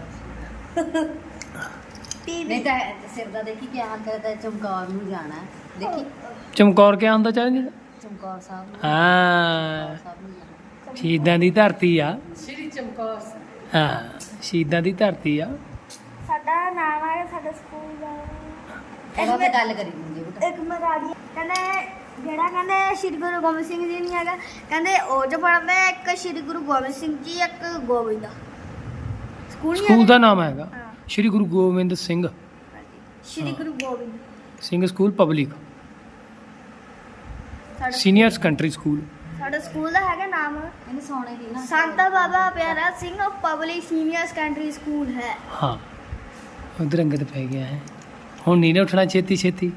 ਪੀ
ਨਹੀਂ ਤਾਂ ਸਿਰ ਦਾ ਦੇਖੀ ਕੀ ਹਾਲ ਕਰਦਾ ਚਮਕੌਰ ਨੂੰ ਜਾਣਾ ਹੈ। ਦੇਖੀ
ਚਮਕੌਰ ਕਿਆ ਹੁੰਦਾ ਚਾਹੀਦਾ
ਚਮਕੌਰ ਸਾਹਿਬ ਨੂੰ
ਹਾਂ
ਸਾਹਿਬ ਨੂੰ ਜਾਣਾ।
ਸ਼ਹੀਦਾਂ ਦੀ ਧਰਤੀ ਆ
ਸ਼੍ਰੀ ਚਮਕੌਰ
ਹਾਂ ਸ਼ਹੀਦਾਂ ਦੀ ਧਰਤੀ ਆ
ਸਾਡਾ ਨਾਮ ਹੈ ਸਾਡੇ ਸਕੂਲ ਦਾ
ਇਹਦਾ ਤੇ ਗੱਲ ਕਰੀ ਹੁੰਦੀ ਉਹ ਤਾਂ
ਇੱਕ ਮਰਾੜੀ ਕਹਿੰਦੇ ਜਿਹੜਾ ਕਹਿੰਦੇ ਸ਼੍ਰੀ ਗੁਰੂ ਗੋਬਿੰਦ ਸਿੰਘ ਜੀ ਨਹੀਂ ਹੈਗਾ ਕਹਿੰਦੇ ਉਹ ਚ ਪੜ੍ਹਦੇ ਇੱਕ ਸ਼੍ਰੀ ਗੁਰੂ ਗੋਬਿੰਦ ਸਿੰਘ ਜੀ ਇੱਕ ਗੋਬਿੰਦ ਦਾ ਸਕੂਲ ਨਹੀਂ
ਸਕੂਲ
ਹੈਗਾ?
ਦਾ ਨਾਮ ਹੈਗਾ
ਹਾਂ।
ਸ਼੍ਰੀ ਗੁਰੂ ਗੋਬਿੰਦ ਸਿੰਘ
ਸ਼੍ਰੀ ਗੁਰੂ ਗੋਬਿੰਦ
ਸਿੰਘ ਸਕੂਲ ਪਬਲਿਕ
ਸਾਡਾ
ਸੀਨੀਅਰ ਸੈਕੰਡਰੀ ਸਕੂਲ
ਸਾਡਾ ਸਕੂਲ ਦਾ ਹੈਗਾ ਨਾਮ
ਇਹਨੇ ਸੋਨੇ ਦੀ ਨਾ
Sant Baba Piara Singh public senior secondary school ਹੈ
ਹਾਂ ਉਧਰ ਅੰਗਦ ਪੈ ਗਿਆ ਹੈ ਹੁਣ ਨਹੀਂ ਨੇ ਉੱਠਣਾ ਛੇਤੀ ਛੇਤੀ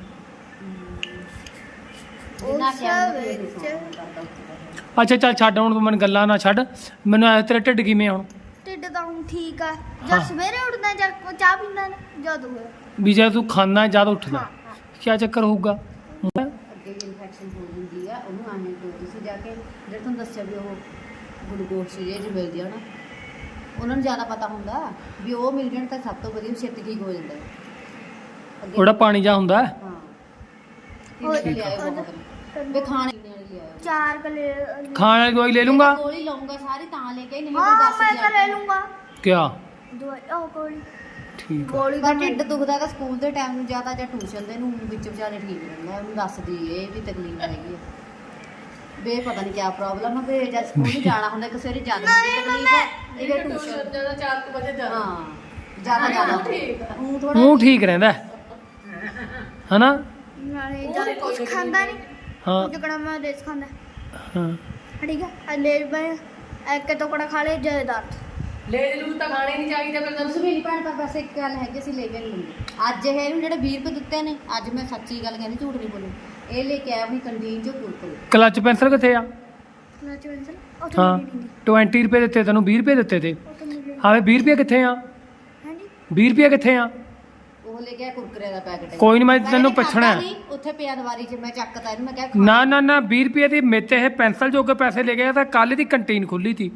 ਜਿੰਨਾ
ਉਸ
ਕਿਹਾ
ਵਿੱਚ
ਅੱਛਾ ਚੱਲ ਛੱਡ ਹੁਣ ਤੂੰ ਮੈਨੂੰ ਗੱਲਾਂ ਨਾ ਛੱਡ ਮੈਨੂੰ ਐ ਤੇਰਾ ਢਿੱਡ ਕਿਵੇਂ ਹੁਣ
ਢਿੱਡ ਤਾਂ ਹੁਣ ਠੀਕ ਆ
ਹਾਂ।
ਜਦ ਸਵੇਰੇ ਉੱਠਦਾ ਜਦ ਚਾਹ ਪੀਂਦਾ ਨਾ ਜਦ ਹੋਇਆ
ਵੀ ਜੇ ਤੂੰ ਖਾਣਾ ਜ਼ਿਆਦਾ ਉੱਠਦਾ
ਹਾਂ ਹਾਂ
ਕੀ ਚੱਕਰ ਹੋਊਗਾ
ਅੱਗੇ ਵੀ ਇਨਫੈਕਸ਼ਨ ਹੋ ਜਾਂਦੀ ਆ ਉਹਨੂੰ ਆਣੇ ਤੋਂ ਤੁਸੀਂ ਜਾ ਕੇ ਜਿਹੜੇ ਤੁਹਾਨੂੰ ਦੱਸਿਆ ਵੀ ਉਹ ਗਲੂਕੋਜ਼ ਜਿਹੜੀ ਮਿਲਦੀ ਆ ਨਾ ਉਹਨਾਂ ਨੂੰ ਜ਼ਿਆਦਾ ਪਤਾ ਹੁੰਦਾ ਵੀ ਉਹ ਮਿਲ ਜਾਣ ਤਾਂ ਸਭ ਤੋਂ ਵਧੀਆ ਛੇਤੀ ਠੀਕ ਹੋ ਜਾਂਦਾ ਹੈ। ਅੱਗੇ-
ਉਹਦਾ ਪਾਣੀ ਜਾ ਹੁੰਦਾ ਹੈ।
ਹਾਂ
ਹੋਰ
ਠੀਕ ਲਿਆਇਓ ਬਹੁਤ ਵੀ ਖਾਣੇ ਪੀਣੇ ਵਾਲੀ ਲਿਆਇਓ
ਚਾਰ ਕਲੇ
ਖਾਣ ਵਾਲੀ ਦਵਾਈ ਲੈ ਲੂੰਗਾ
ਗੋਲੀ ਲਊਂਗਾ ਸਾਰੀ ਤਾਂ ਲੈ ਕੇ ਨਹੀਂ
ਹਾਂ
ਫਿਰ ਦੱਸ
ਮੈਂ ਤਾਂ ਲੈ
ਦਿਆ
ਲੂੰਗਾ
ਕਿਆ
ਦਵਾਈ ਉਹ ਗੋਲੀ
ਠੀਕ ਆ
ਗੋਲੀ
ਪਰ
ਦਾ
ਢਿੱਡ ਦੁਖਦਾ ਤਾਂ ਸਕੂਲ ਦੇ ਟਾਈਮ ਨੂੰ ਜ਼ਿਆਦਾ ਜਾਂ ਟਿਊਸ਼ਨ ਦੇ ਨੂੰ ਵਿੱਚ ਵਿਚਾਲੇ ਠੀਕ ਰਹਿੰਦਾ ਉਹਨੂੰ ਦੱਸਦੀ ਇਹ ਵੀ ਤਕਲੀਫ ਹੈਗੀ ਆ ਵੇ ਪਤਾ ਨਹੀਂ ਕਿਆ ਪ੍ਰੋਬਲਮ ਹੈ ਵੀ ਜਦ ਸਕੂਲ ਨੂੰ ਜਾਣਾ ਹੁੰਦਾ ਕਿ ਸਵੇਰੇ ਜ਼ਿਆਦਾ ਹੁੰਦੀ ਤਕਲੀਫ ਹੈ ਇਹ
ਟਿਊਸ਼ਨ
ਟਿਊਸ਼ਨ
ਜਿਆਦਾ ਚਾਰ ਕੁ ਵਜੇ ਜਾਣਾ
ਹਾਂ ਜ਼ਿਆਦਾ ਜ਼ਿਆਦਾ
ਠੀਕ ਆ।
ਉਹ ਥੋੜਾ
ਮੂੰਹ ਠੀਕ ਰਹਿੰਦਾ ਹੈ। ਹਨਾ
ਨਾਲੇ ਜਦ ਕੁਝ ਖਾਂਦਾ ਨਹੀਂ
ਹਾਂ
ਜਿਕਣਾ ਮੈਂ ਰੇਸ ਖਾਂਦਾ
ਹਾਂ
ਠੀਕ ਹੈ ਲੈ ਮੈਂ ਇੱਕ ਟੁਕੜਾ ਖਾ ਲੇ ਜੈਦਾਰ
ਲੈ ਲੂ ਤਾਂ ਖਾਣੇ ਨਹੀਂ ਚਾਹੀਦੇ ਫਿਰ
ਤੁਸੀਂ ਮੇਰੀ ਭੈਣ ਪਰ ਬਸ ਇੱਕ ਗੱਲ ਹੈਗੀ ਅਸੀਂ ਲੈ ਕੇ ਨਹੀਂ ਲੈਂਦੇ ਅੱਜ ਇਹ ਇਹਨੂੰ ਜਿਹੜੇ ਵੀਹ ਰੁਪਏ ਦਿੱਤੇ ਨੇ ਅੱਜ ਮੈਂ ਸੱਚੀ ਗੱਲ ਕਹਿੰਦੀ ਝੂਠ ਨਹੀਂ ਬੋਲੂ ਇਹ ਲੈ ਕੇ ਆਇਆ ਆਪਣੀ ਕੰਟੀਨ ਚੋਂ ਕੁਰਕੁਰੇ
ਕਲਚ ਪੈਨਸਲ ਕਿੱਥੇ ਆ
ਕਲਚ ਪੈਨਸਲ ਉਹ
ਹਾਂ
ਤਾਂ ਨਹੀਂ
ਵੀਹ ਰੁਪਏ ਦਿੱਤੇ ਤੈਨੂੰ ਵੀਹ ਰੁਪਏ ਦਿੱਤੇ ਤੇ
ਉਹ ਤਾਂ ਨਹੀਂ
ਹਾਵੇ ਵੀਹ ਰੁਪਏ ਕਿੱਥੇ ਆ
ਹਾਂਜੀ
ਵੀਹ ਰੁਪਏ ਕਿੱਥੇ ਆ
ਉਹ ਲੈ ਕੇ ਆਇਆ ਕੁਰਕਰੇ ਦਾ ਪੈਕਟ
ਕੋਈ ਨੀ, ਮੈਂ ਤੈਨੂੰ ਪੁੱਛਣਾ ਹੈ।
ਉੱਥੇ ਪਿਆ ਦਵਾਰੀ 'ਚ ਮੈਂ ਚੱਕਤਾ ਇਹਨੂੰ ਮੈਂ ਕਿਹਾ
ਨਾ ਨਾ ਨਾ ਵੀਹ ਰੁਪਏ ਦੀ ਮੇਤੇ ਇਹ ਪੈਨਸਲ ਜੋਗੇ ਪੈਸੇ ਲੈ ਗਿਆ ਤਾਂ ਕੱਲ ਦੀ ਕੰਟੀਨ ਖੁੱਲੀ ਸੀ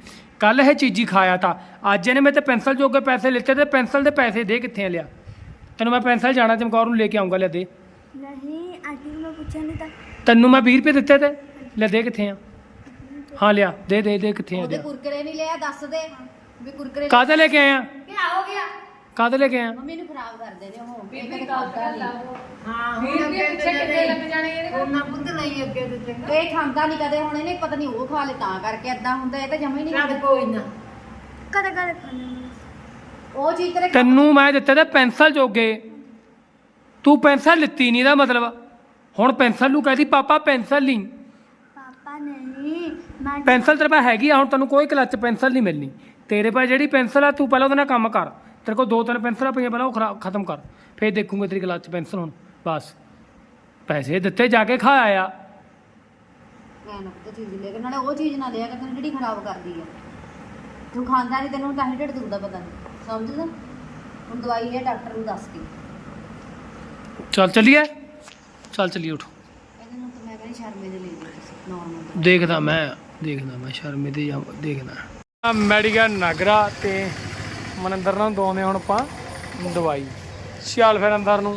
ਕੱਲ ਇਹ ਚੀਜ਼ੀ ਖਾਇਆ ਤਾਂ ਅੱਜ ਇਹਨੇ ਮੇਰੇ ਤੇ ਪੈਨਸਲ ਜੋਗੇ ਪੈਸੇ ਲਿੱਤੇ ਤੇ ਪੈਨਸਲ ਦੇ ਪੈਸੇ ਦੇ ਕਿੱਥੇ ਆ ਲਿਆ ਤੈਨੂੰ ਮੈਂ ਪੈਨਸਲ ਜਾਣਾ ਚਮਕੌਰ ਨੂੰ ਲੈ ਕੇ ਆਉਂਗਾ ਲੈ ਦੇ
ਨਹੀਂ ਆਂਟੀ ਨੂੰ ਮੈਂ ਪੁੱਛਿਆ ਨਹੀਂ ਤਾਂ
ਤੈਨੂੰ ਮੈਂ ਵੀਹ ਰੁਪਏ ਦਿੱਤੇ ਤੇ ਲੈ ਦੇ ਕਿੱਥੇ ਆ ਹਾਂ ਲਿਆ ਦੇ ਦੇ ਦੇ ਕਿੱਥੇ ਆ
ਉਹਦੇ
ਲਿਆ
ਕੁਰਕਰੇ ਨਹੀਂ ਲਿਆ ਦੱਸ ਦੇ ਵੀ ਕੁਰਕਰੇ
ਕਾਹਦੇ ਲੈ ਕੇ ਆਇਆ
ਕੀ ਹੋ ਗਿਆ
ਕਾਹਦੇ ਲੈ ਕੇ ਆਇਆ
ਮੰਮੀ ਨੂੰ ਖਰਾਬ ਕਰਦੇ ਨੇ ਉਹ
ਵੀਹ
ਇਹ
ਰੁਪਏ
ਕਦੇ
ਕਾਲ
ਖਾਂਦਾ
ਕਰ
ਨਹੀਂ
ਲਾ ਹਾਂ ਵੀਹ ਰੁਪਏ ਪਿੱਛੇ ਕਿੰਨੇ ਲੱਗ ਜਾਣੇ ਇਹਦੇ ਕੋਲ
ਉਹਨਾਂ ਬੁੱਧ ਨਹੀਂ ਅੱਗੇ ਤੇ ਚੰਗਾ
ਇਹ ਖਾਂਦਾ ਨਹੀਂ ਕਦੇ ਹੁਣ ਇਹਨੇ ਪਤਾ ਨਹੀਂ ਉਹ ਖਾ ਲੇ ਤਾਂ ਕਰਕੇ ਏਦਾਂ ਹੁੰਦਾ ਇਹ ਤਾਂ ਜਮਾ ਹੀ ਨਹੀਂ
ਚੱਲ ਕੋਈ ਨਾ
ਕਦੇ ਕਦੇ ਖਾਣੇ
ਉਹ ਚੀਜ਼ ਤੇਰੇ
ਤੈਨੂੰ ਮੈਂ ਦਿੱਤੇ ਤੇ ਪੈਨਸਲ ਜੋਗੇ ਤੂੰ ਪੈਨਸਲ ਲਿੱਤੀ ਨਹੀਂ ਦਾ ਮਤਲਬ ਹੁਣ ਪੈਨਸਲ ਨੂੰ ਕਹਦੀ ਪਾਪਾ ਪੈਨਸਲ ਲਈ
ਪਾਪਾ ਨਹੀਂ ਮੈਂ
ਪੈਨਸਲ ਤੇਰੇ ਪਾ ਹੈਗੀ ਆ ਹੁਣ ਤੈਨੂੰ ਕੋਈ ਕਲੱਚ ਪੈਨਸਲ ਨਹੀਂ ਮਿਲਣੀ ਤੇਰੇ ਪਾ ਜਿਹੜੀ ਪੈਨਸਲ ਆ ਤੂੰ ਪਹਿਲਾਂ ਉਹਦੇ ਨਾਲ ਕੰਮ ਕਰ ਤੇਰੇ ਕੋਲ ਦੋ ਤਿੰਨ ਪੈਨਸਲਾਂ ਪਈਆਂ ਪਹਿਲਾਂ ਉਹ ਖਰਾ ਖਤਮ ਕਰ ਫਿਰ ਦੇਖੂੰਗਾ ਤੇਰੀ ਕਲੱਚ ਪੈਨਸਲ ਹੁਣ ਬਸ ਪੈਸੇ ਦਿੱਤੇ ਜਾ ਕੇ ਖਾ ਆਇਆ
ਕਹਿਣਾ ਤਾਂ ਚੀਜ਼ ਲੈ ਕੇ ਨਾਲੇ ਉਹ ਚੀਜ਼ ਨਾ ਲਿਆ ਕਰ ਤੈਨੂੰ ਜਿਹੜੀ ਖਰਾਬ ਕਰਦੀ ਆ ਤੂੰ ਖਾਂਦਾ ਨਹੀਂ ਤੈਨੂੰ ਤਾਂ ਹੀ ਢਿੱਡ ਦੁਖਦਾ ਪਤਾ ਨਹੀਂ ਸਮਝਦਾ ਹੁਣ ਦਵਾਈ ਲਿਆ ਡਾਕਟਰ ਨੂੰ ਦੱਸ ਕੇ
ਚੱਲ ਚੱਲੀਏ ਚੱਲ ਚੱਲੀਏ ਉਠ
ਇਹਦੇ ਨੂੰ ਤਾਂ ਮੈਂ ਕਹਿੰਦੀ ਸ਼ਰਮੇ ਦੇ ਲੈ ਲਈ ਨਾਰਮਲ
ਦੇਖਦਾ ਮੈਂ ਦੇਖਦਾ ਮੈਂ ਸ਼ਰਮੇ ਤੇ ਜਾਂ ਦੇਖਦਾ ਮੈਡੀਕਲ ਨਗਰਾ ਤੇ ਮਨਿੰਦਰ ਨਾਲ ਦੋਵੇਂ ਹੁਣ ਆਪਾਂ ਦਵਾਈ ਚੱਲ ਫਿਰ ਅੰਦਰ ਨੂੰ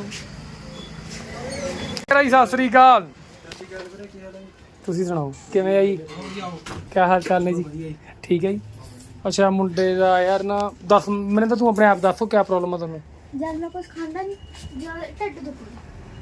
ਜੀ ਸਤਿ ਸ੍ਰੀ ਅਕਾਲ ਤੁਸੀਂ ਸੁਣਾਓ ਕਿਵੇਂ ਆ ਜੀ ਕੀ ਹਾਲ ਚਾਲ ਨੇ ਜੀ ਠੀਕ ਹੈ ਜੀ ਅੱਛਾ ਮੁੰਡੇ ਦਾ ਯਾਰ ਨਾ ਦੱਸ ਮੈਨੂੰ ਤਾਂ ਤੂੰ ਆਪਣੇ ਆਪ ਦੱਸੋ ਕੀ ਪ੍ਰੋਬਲਮ ਆ ਤੁਹਾਨੂੰ
ਜਦ ਮੈਂ ਕੁਝ ਖਾਂਦਾ ਨਹੀਂ ਜਦ ਢਿੱਡ ਦੁਖਦਾ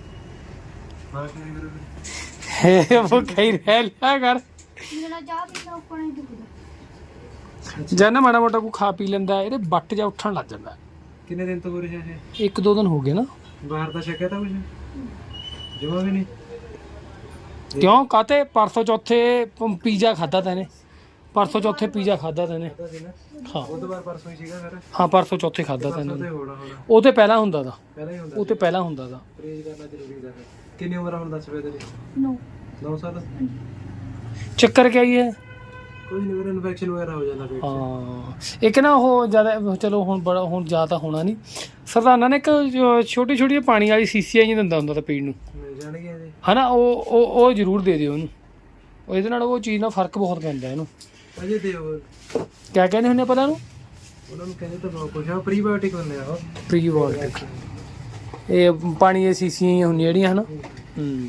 ਹੇ ਉਹ ਕਹੀ ਰਹਿ ਲਿਆ ਕਰ
ਮੇਰਾ ਚਾਹ ਪੀਣਾ ਉੱਪਰ ਨਹੀਂ ਦੁਖਦਾ
ਜਦ ਨਾ ਮਾੜਾ ਮੋਟਾ ਕੋ ਖਾ ਪੀ ਲੈਂਦਾ ਇਹਦੇ ਬੱਟ ਜਾ ਉੱਠਣ ਲੱਗ ਜਾਂਦਾ
ਕਿੰਨੇ ਦਿਨ ਤੋਂ ਹੋ ਰਿਹਾ ਹੈ
ਇੱਕ ਦੋ ਦਿਨ ਹੋ ਗਏ ਨਾ
ਬਾਹਰ ਦਾ ਛਕਿਆ ਤਾਂ ਕੁਝ ਜਮਾ ਵੀ ਨਹੀਂ
ਕਿਉਂ ਕਾਤੇ ਪਰਸੋਂ ਚੌਥੇ ਪ- ਪੀਜ਼ਾ ਖਾਦਾ ਤੈਨੇ ਪਰਸੋਂ ਚੌਥੇ ਪੀਜ਼ਾ ਖਾਦਾ ਤੈਨੇ
ਪਤਾ ਸੀ ਨਾ
ਹਾਂ
ਉਹ ਤੋਂ ਬਾਅਦ ਪਰਸੋਂ ਹੀ ਸੀਗਾ ਫਿਰ
ਹਾਂ ਪਰਸੋਂ ਚੌਥੇ ਖਾਦਾ
ਪਰਸੋਂ ਤੇ
ਤੈਨੇ
ਹੋਣਾ ਹੋਣਾ
ਉਹ ਤੇ ਪਹਿਲਾਂ ਹੁੰਦਾ ਦਾ
ਪਹਿਲਾਂ ਹੀ ਹੁੰਦਾ
ਉਹ ਤੇ ਪਹਿਲਾਂ ਹੁੰਦਾ ਦਾ
ਪਰਹੇਜ਼ ਕਰਨਾ ਜ਼ਰੂਰੀ ਦਾ ਹੈ ਕਿੰਨੀ ਉਮਰ ਆ ਹੁਣ ਦੱਸ ਪਏ ਤੇਰੀ
ਨੋ
ਨੌ ਸਾਲ
ਚੱਕਰ ਕਿਆ ਹੀ ਹੈ
ਕੋਈ ਨਹੀਂ ਮੇਰਾ ਇਨਫੈਕਸ਼ਨ ਵਗੈਰਾ ਹੋ ਜਾਂਦਾ ਪੇਟ 'ਚ
ਹਾਂ ਇੱਕ ਨਾ ਉਹ ਜਿਆਦਾ ਚਲੋ ਹੁਣ ਬੜਾ ਹੁਣ ਜ਼ਿਆਦਾ ਹੋਣਾ ਨਹੀਂ ਸਰਦਾਨਾ ਨੇ ਇੱਕ ਛੋਟੀ ਛੋਟੀ ਪਾਣੀ ਵਾਲੀ ਸੀਸੀਆਂ ਜੀ ਦਿੰਦਾ ਹੁੰਦਾ ਤਾਂ ਪੀਣ ਨੂੰ
ਮਿਲ ਜਾਣਗੇ ਜੀ
ਹਨਾ ਉਹ ਉਹ ਉਹ ਜ਼ਰੂਰ ਦੇ ਦਿਓ ਉਹਨੂੰ ਉਹ ਇਹਦੇ ਨਾਲ ਉਹ ਚੀਜ਼ ਨਾਲ ਫਰਕ ਬਹੁਤ ਪੈਂਦਾ ਇਹਨੂੰ
ਅਜੇ ਦੇ ਉਹ
ਕਿਆ ਕਹਿੰਦੇ ਹੁੰਦੇ ਪਤਾ ਨੂੰ
ਉਹਨਾਂ ਨੂੰ ਕਹਿੰਦੇ ਤਾਂ ਬਹੁਤ ਕੁਝ ਆ ਪ੍ਰੀਬਾਇਓਟਿਕ ਹੁੰਦੇ ਆ ਉਹ
ਪ੍ਰੀਬਾਇਓਟਿਕ ਇਹ ਪਾਣੀ ਦੀਆਂ ਸੀਸੀਆਂ ਹੀ ਹੁੰਦੀਆਂ ਜਿਹੜੀਆਂ ਹਨਾ ਹੂੰ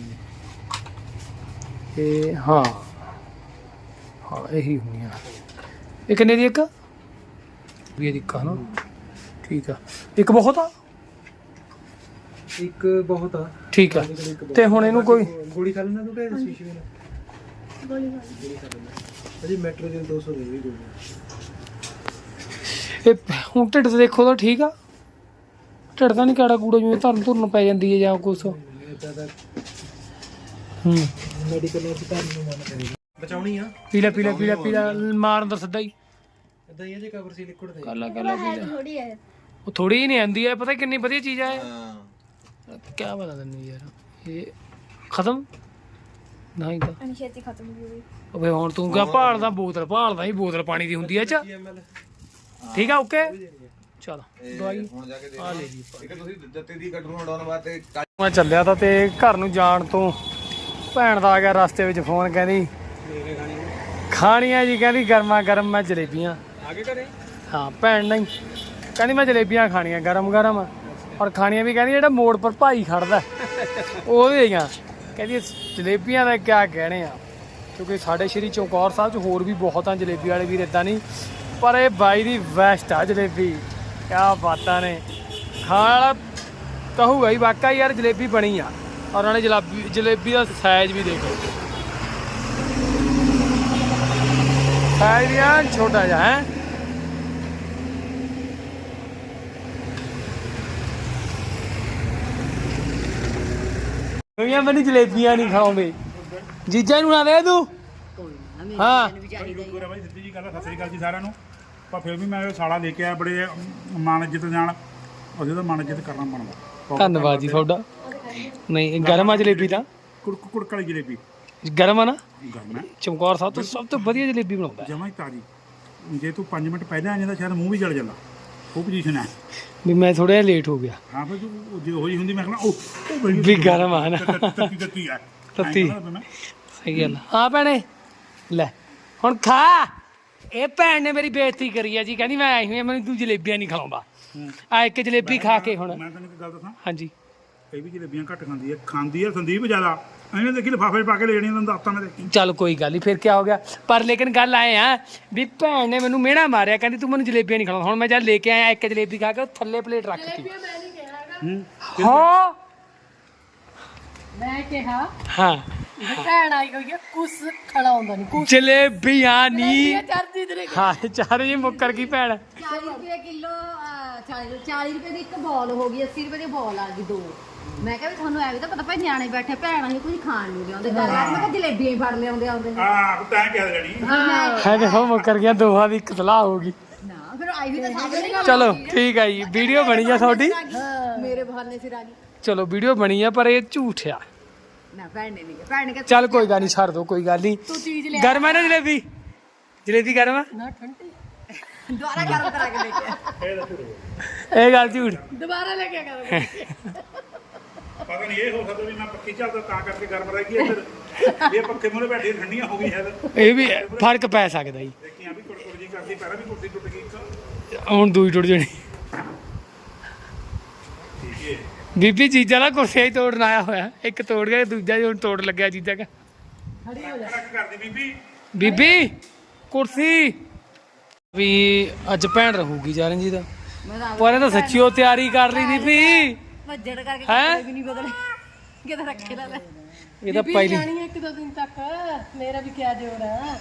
ਇਹ ਹਾਂ ਹਾਂ ਇਹੀ ਹੁੰਦੀਆਂ ਇਹ ਕਿੰਨੇ ਦੀ ਇੱਕ ਵੀ ਦੀ ਇੱਕ ਹਨਾ ਠੀਕ ਆ ਇੱਕ ਬਹੁਤ ਆ
ਇੱਕ ਬਹੁਤ ਆ
ਠੀਕ ਆ ਤੇ ਹੁਣ ਇਹਨੂੰ ਕੋਈ
ਗੋਲੀ ਖਾ ਲੈਣਾ ਤੂੰ ਕਿ ਸ਼ੀਸ਼ੇ ਨਾਲ
ਗੋਲੀ
ਗੋਲੀ ਖਾ ਲੈਣਾ ਅਜੇ ਮੈਟਰੋ ਦੇ ਦੋ ਸੌ ਦੇ ਵੀ ਗੋਲੀ
ਇਹ ਹੁਣ ਢਿੱਡ ਤੇ ਦੇਖੋ ਤਾਂ ਠੀਕ ਆ ਢਿੱਡ ਤਾਂ ਨਹੀਂ ਕਾੜਾ ਕੂੜਾ ਜਿਵੇਂ ਧਰਨ ਧੁਰਨ ਪੈ ਜਾਂਦੀ ਹੈ ਜਾਂ ਕੁਛ
ਇਦਾਂ ਦਾ
ਹੂੰ
ਮੈਡੀਕਲ ਨੂੰ ਧਰਨ ਨੂੰ ਮਨ ਕਰੇ ਬਚਾਉਣੀ ਆ
ਪੀਲਾ ਪੀਲਾ ਪੀਲਾ ਪੀਲਾ ਮਾਰ ਅੰਦਰ ਸਿੱਧਾ ਹੀ
ਇਦਾਂ ਹੀ ਆ ਜੇ ਕਵਰ ਸੀ ਲਿਕੁਇਡ ਦੇ
ਕੱਲਾ ਕੱਲਾ ਪੀਲਾ
ਥੋੜੀ ਹੈ
ਉਹ ਥੋੜੀ ਹੀ ਨਹੀਂ ਆਂਦੀ ਹੈ ਪਤਾ ਕਿੰਨੀ ਵਧੀਆ ਚੀਜ਼ ਆ ਇਹ ਕਿਆ ਬਤਾ ਤੈਨੂੰ ਯਾਰ ਇਹ ਖਤਮ ਨਹੀਂ ਤਾਂ
ਅਨਸ਼ੇਤੀ ਖਤਮ ਹੋ ਗਈ
ਓਏ ਹੁਣ ਤੂੰ ਕਿਆ ਭਾਲਦਾ ਬੋਤਲ ਭਾਲਦਾ ਹੀ ਬੋਤਲ ਪਾਣੀ ਦੀ ਹੁੰਦੀ ਐ ਚ ਠੀਕ ਆ ਓਕੇ ਚਲ ਦਵਾਈ ਆ ਲੈ ਜੀ
ਇੱਕ ਤੁਸੀਂ ਜੱਤੇ ਦੀ ਗੱਡ ਨੂੰ ਹਟਾਉਣ ਵਾਸਤੇ
ਮੈਂ ਚੱਲਿਆ ਤਾਂ ਤੇ ਘਰ ਨੂੰ ਜਾਣ ਤੋਂ ਭੈਣ ਦਾ ਆ ਗਿਆ ਰਸਤੇ ਵਿੱਚ ਫੋਨ ਕਹਿੰਦੀ ਖਾਣੀਆਂ ਜੀ ਕਹਿੰਦੀ ਗਰਮਾ ਗਰਮ ਮੈਂ ਜਲੇਬੀਆਂ
ਆਗੇ ਕਰੇ
ਹਾਂ ਭੈਣ ਨਹੀਂ ਕਹਿੰਦੀ ਮੈਂ ਜਲੇਬੀਆਂ ਖਾਣੀਆਂ ਗਰਮ ਗਰਮ ਔਰ ਖਾਣੀਆਂ ਵੀ ਕਹਿੰਦੀ ਜਿਹੜਾ ਮੋੜ ਪਰ ਭਾਈ ਖੜਦਾ ਉਹਦੇ ਦੀਆਂ ਕਹਿੰਦੀ ਜਲੇਬੀਆਂ ਦਾ ਕਿਆ ਕਹਿਣੇ ਆ ਕਿਉਂਕਿ ਸਾਡੇ ਸ਼੍ਰੀ ਚੌਕੌਰ ਸਾਹਿਬ 'ਚ ਹੋਰ ਵੀ ਬਹੁਤ ਆ ਜਲੇਬੀ ਵਾਲੇ ਵੀਰ ਇੱਦਾਂ ਨਹੀਂ ਪਰ ਇਹ ਬਾਈ ਦੀ ਬੈਸਟ ਆ ਜਲੇਬੀ ਕਿਆ ਬਾਤਾਂ ਨੇ ਖਾਣ ਵਾਲਾ ਕਹੂਗਾ ਹੀ ਵਾਕਈ ਯਾਰ ਜਲੇਬੀ ਬਣੀ ਆ ਔਰ ਨਾਲੇ ਜਲੇਬੀ ਜਲੇਬੀ ਦਾ ਸਾਈਜ਼ ਵੀ ਦੇਖੋ ਸਾਈਜ਼ ਵੀ ਆ ਛੋਟਾ ਜਿਹਾ ਹੈ ਕਿਉਂਕਿ ਮੈਨੂੰ ਜਲੇਬੀਆਂ ਨਹੀਂ ਖਾਉਂਦੇ ਜੀਜਾ ਨੂੰ ਨਾ ਦੇ ਤੂੰ ਹਾਂ
ਗੁਰੂ ਬਾਈ ਸਿੱਧੀ ਜੀ ਗੱਲ ਸਤਿ ਸ੍ਰੀ ਅਕਾਲ ਜੀ ਸਾਰਿਆਂ ਨੂੰ ਪਰ ਫਿਰ ਵੀ ਮੈਂ ਸਾਲਾ ਲੈ ਕੇ ਆਇਆ ਬੜੇ ਮਾਣ ਇੱਜ਼ਤ ਜਾਣ ਉਹਦੇ ਦਾ ਮਾਣ ਇੱਜ਼ਤ ਕਰਨਾ ਬਣਦਾ
ਧੰਨਵਾਦ ਜੀ ਤੁਹਾਡਾ ਨਹੀਂ ਗਰਮ ਆ ਜਲੇਬੀ ਤਾਂ
ਕੁੜਕ ਕੁੜਕ ਵਾਲੀ ਜਲੇਬੀ
ਗਰਮ ਆ ਨਾ
ਗਰਮ ਹੈ
ਚਮਕੌਰ ਸਾਹਿਬ ਤੋਂ ਸਭ ਤੋਂ ਵਧੀਆ ਜਲੇਬੀ ਬਣਾਉਂਦਾ
ਜਮਾਂ ਹੀ ਤਾਜ਼ੀ ਜੇ ਤੂੰ ਪੰਜ ਮਿੰਟ ਪਹਿਲਾਂ ਆ ਜਾਂਦਾ ਸ਼ਾਇਦ ਮੂੰਹ ਵੀ ਜਲ ਜਾਂਦਾ ਉਹ ਪੋਜੀਸ਼ਨ ਹੈ
ਵੀ ਮੈਂ ਥੋੜਾ ਜਿਹਾ ਲੇਟ ਹੋ ਗਿਆ
ਹਾਂ ਫਿਰ ਤੂੰ ਜੇ ਹੋਈ ਹੁੰਦੀ ਮੈਂ ਕਹਿੰਦਾ ਉਹ
ਵੀ ਗਰਮ ਆ ਨਾ
ਤੱਤੀ ਤੱਤੀ ਆ
ਤੱਤੀ। ਸਹੀ ਗੱਲ ਆ ਭੈਣੇ ਲੈ ਹੁਣ ਖਾ ਇਹ ਭੈਣ ਨੇ ਮੇਰੀ ਬੇਇੱਜ਼ਤੀ ਕਰੀ ਆ ਜੀ, ਕਹਿੰਦੀ ਮੈਂ ਆਈ ਹੋਈ ਹਾਂ, ਮੈਨੂੰ ਤੂੰ ਜਲੇਬੀਆਂ ਨਹੀਂ ਖਿਲਾਉਂਦਾ। ਆ ਇੱਕ ਜਲੇਬੀ ਖਾ ਕੇ ਹੁਣ
ਮੈਂ ਤੈਨੂੰ ਇੱਕ ਗੱਲ ਦੱਸਾਂ,
ਹਾਂਜੀ
ਇਹ ਵੀ ਜਲੇਬੀਆਂ ਘੱਟ ਖਾਂਦੀ ਹੈ, ਖਾਂਦੀ ਹੈ ਸੰਦੀਪ ਜ਼ਿਆਦਾ। ਇਹਨੇ ਦੇਖੀ ਲਿਫਾਫੇ ਪਾ ਕੇ ਲੈ ਜਾਣੀਆਂ ਤੈਨੂੰ ਦੱਸਤਾ ਮੈਂ ਦੇਖੀ।
ਚੱਲ ਕੋਈ ਗੱਲ ਨਹੀਂ, ਫਿਰ ਕੀ ਹੋ ਗਿਆ। ਪਰ ਲੇਕਿਨ ਗੱਲ ਆਏ ਆ ਵੀ ਭੈਣ ਨੇ ਮੈਨੂੰ ਮਿਹਣਾ ਮਾਰਿਆ, ਕਹਿੰਦੀ ਤੂੰ ਮੈਨੂੰ ਜਲੇਬੀਆਂ ਨਹੀਂ ਖਿਲਾਉਂਦਾ। ਹੁਣ ਮੈਂ ਜਦ ਲੈ ਕੇ ਆਇਆ ਇੱਕ ਜਲੇਬੀ ਖਾ ਕੇ ਉਹ ਥੱਲੇ ਪਲੇਟ ਰੱਖਤੀ। ਹਾਂ
ਮੈਂ ਕਿਹਾ
ਹਾਂ
ਭੈਣ ਆਈ ਹੋਈ ਹੈ, ਕੁਛ ਖੜਾਉਂਦਾ ਨਹੀਂ ਕੁਛ
ਜਲੇਬੀਆਂ ਨਹੀਂ
ਚਰਦੀ ਤੇਰੇ
ਹਾਂ ਚਾਰੇ ਜੀ ਮੁੱਕਰ ਗਈ ਭੈਣ।
ਚਾਲੀ ਰੁਪਏ ਕਿਲੋ ਚਾਲੀ ਚਾਲੀ ਰੁਪਏ ਦੀ ਇੱਕ ਬੋਲ ਹੋ ਗਈ, ਅੱਸੀ ਰੁਪਏ ਦੀ ਬੋਲ ਆ ਗਈ ਦੋ। ਮੈਂ ਕਿਹਾ ਵੀ ਤੁਹਾਨੂੰ ਐ ਵੀ ਤਾਂ ਪਤਾ ਭਾਈ ਨਿਆਣੇ ਬੈਠੇ ਭੈਣ ਅਸੀਂ ਕੁਝ ਖਾਣ ਨੂੰ ਲਿਆਉਂਦੇ ਘਰ ਆ, ਮੈਂ ਕਿਹਾ ਜਲੇਬੀਆਂ ਹੀ ਫੜ ਲਿਆਉਂਦੇ ਆਉਂਦੇ
ਹਾਂ ਤੈਂ ਕਿਹਾ ਲੈਣੀ
ਹੈ ਦੇਖੋ ਮੁੱਕਰ ਗਿਆ, ਦੋਹਾਂ ਦੀ ਇੱਕ ਸਲਾਹ ਹੋ ਗਈ।
ਨਾ ਫਿਰ ਆਈ ਵੀ ਤਾਂ ਸਾਹਮਣੇ
ਚਲੋ ਠੀਕ ਹੈ ਜੀ, ਵੀਡੀਓ ਬਣੀ ਆ ਤੁਹਾਡੀ,
ਮੇਰੇ ਬਹਾਨੇ ਫਿਰ ਆ ਗਈ।
ਚਲੋ ਵੀਡੀਓ ਬਣੀ ਆ ਪਰ ਇਹ ਝੂਠ ਆ।
ਨਾ ਭੈਣ ਨੇ ਨਹੀਂ ਭੈਣ ਨੇ ਕਿਹਾ
ਚੱਲ ਕੋਈ ਗੱਲ ਨਹੀਂ, ਛੱਡ ਦੋ ਕੋਈ ਗੱਲ ਨਹੀਂ।
ਤੂੰ ਚੀਜ਼ ਲੈ
ਗਰਮ ਹੈ ਨਾ ਜਲੇਬੀ? ਜਲੇਬੀ ਗਰਮ ਆ?
ਨਾ ਠੰਡੀ
ਦੁਬਾਰਾ ਗਰਮ ਕਰਾ ਕੇ ਲੈ ਕੇ
ਇਹ ਗੱਲ ਝੂਠ।
ਦੁਬਾਰਾ ਲੈ ਕੇ ਕਰਾਂਗੇ।
ਪਤਾ ਨਹੀਂ ਇਹ ਹੋ ਸਕਦਾ ਵੀ ਮੈਂ ਪੱਖੀ ਚੱਲਦਾ ਤਾਂ ਕਰਕੇ ਗਰਮ ਰਹਿ ਗਈ ਇੱਧਰ, ਇਹ ਪੱਖੇ ਮੂਹਰੇ ਬੈਠੇ ਠੰਡੀਆਂ ਹੋ ਗਈਆਂ ਇੱਧਰ।
ਇਹ ਵੀ ਫਰਕ ਪੈ ਸਕਦਾ ਜੀ।
ਦੇਖੀਆਂ ਵੀ ਕੁੜਕੁੜ ਜੀ ਕਰਦੀ, ਪਹਿਲਾਂ ਵੀ ਕੁਰਸੀ ਟੁੱਟ ਗਈ ਇੱਕ।
ਹੁਣ ਦੂਈ ਟੁੱਟ ਜਾਣੀ।
ਠੀਕ ਹੈ
ਬੀਬੀ ਜੀਜਾ ਦਾ ਕੁਰਸੀਆ ਹੀ ਤੋੜਨ ਆਇਆ ਹੋਇਆ, ਇੱਕ ਤੋੜ ਗਿਆ ਦੂਜਾ ਹੁਣ ਤੋੜ ਲੱਗਿਆ ਜੀਜਾ ਕਾ।
ਰੱਖ ਕਰਦੀ ਬੀਬੀ।
ਬੀਬੀ ਕੁਰਸੀ ਵੀ ਅੱਜ ਭੈਣ ਰਹੂਗੀ ਜਾਰਨ ਜੀ ਦਾ, ਪਰ ਇਹ ਤਾਂ ਸੱਚੀ ਉਹ ਤਿਆਰੀ ਕਰ ਲਈ ਬੀਬੀ।
ਵੱਜੜ ਕਰਕੇ
ਹੈਂ?
ਕੱਪੜੇ ਵੀ ਨਹੀਂ ਬਦਲੇ ਕਿਤੇ ਰੱਖੇ ਲਾ ਲੈ।
ਇਹ ਤਾਂ
ਬੀਬੀ
ਪਹਿਲੀ
ਜਾਣੀ ਹੈ ਇੱਕ ਦੋ ਦਿਨ ਤੱਕ, ਮੇਰਾ ਵੀ ਕਿਆ ਜੋੜ ਹੈ।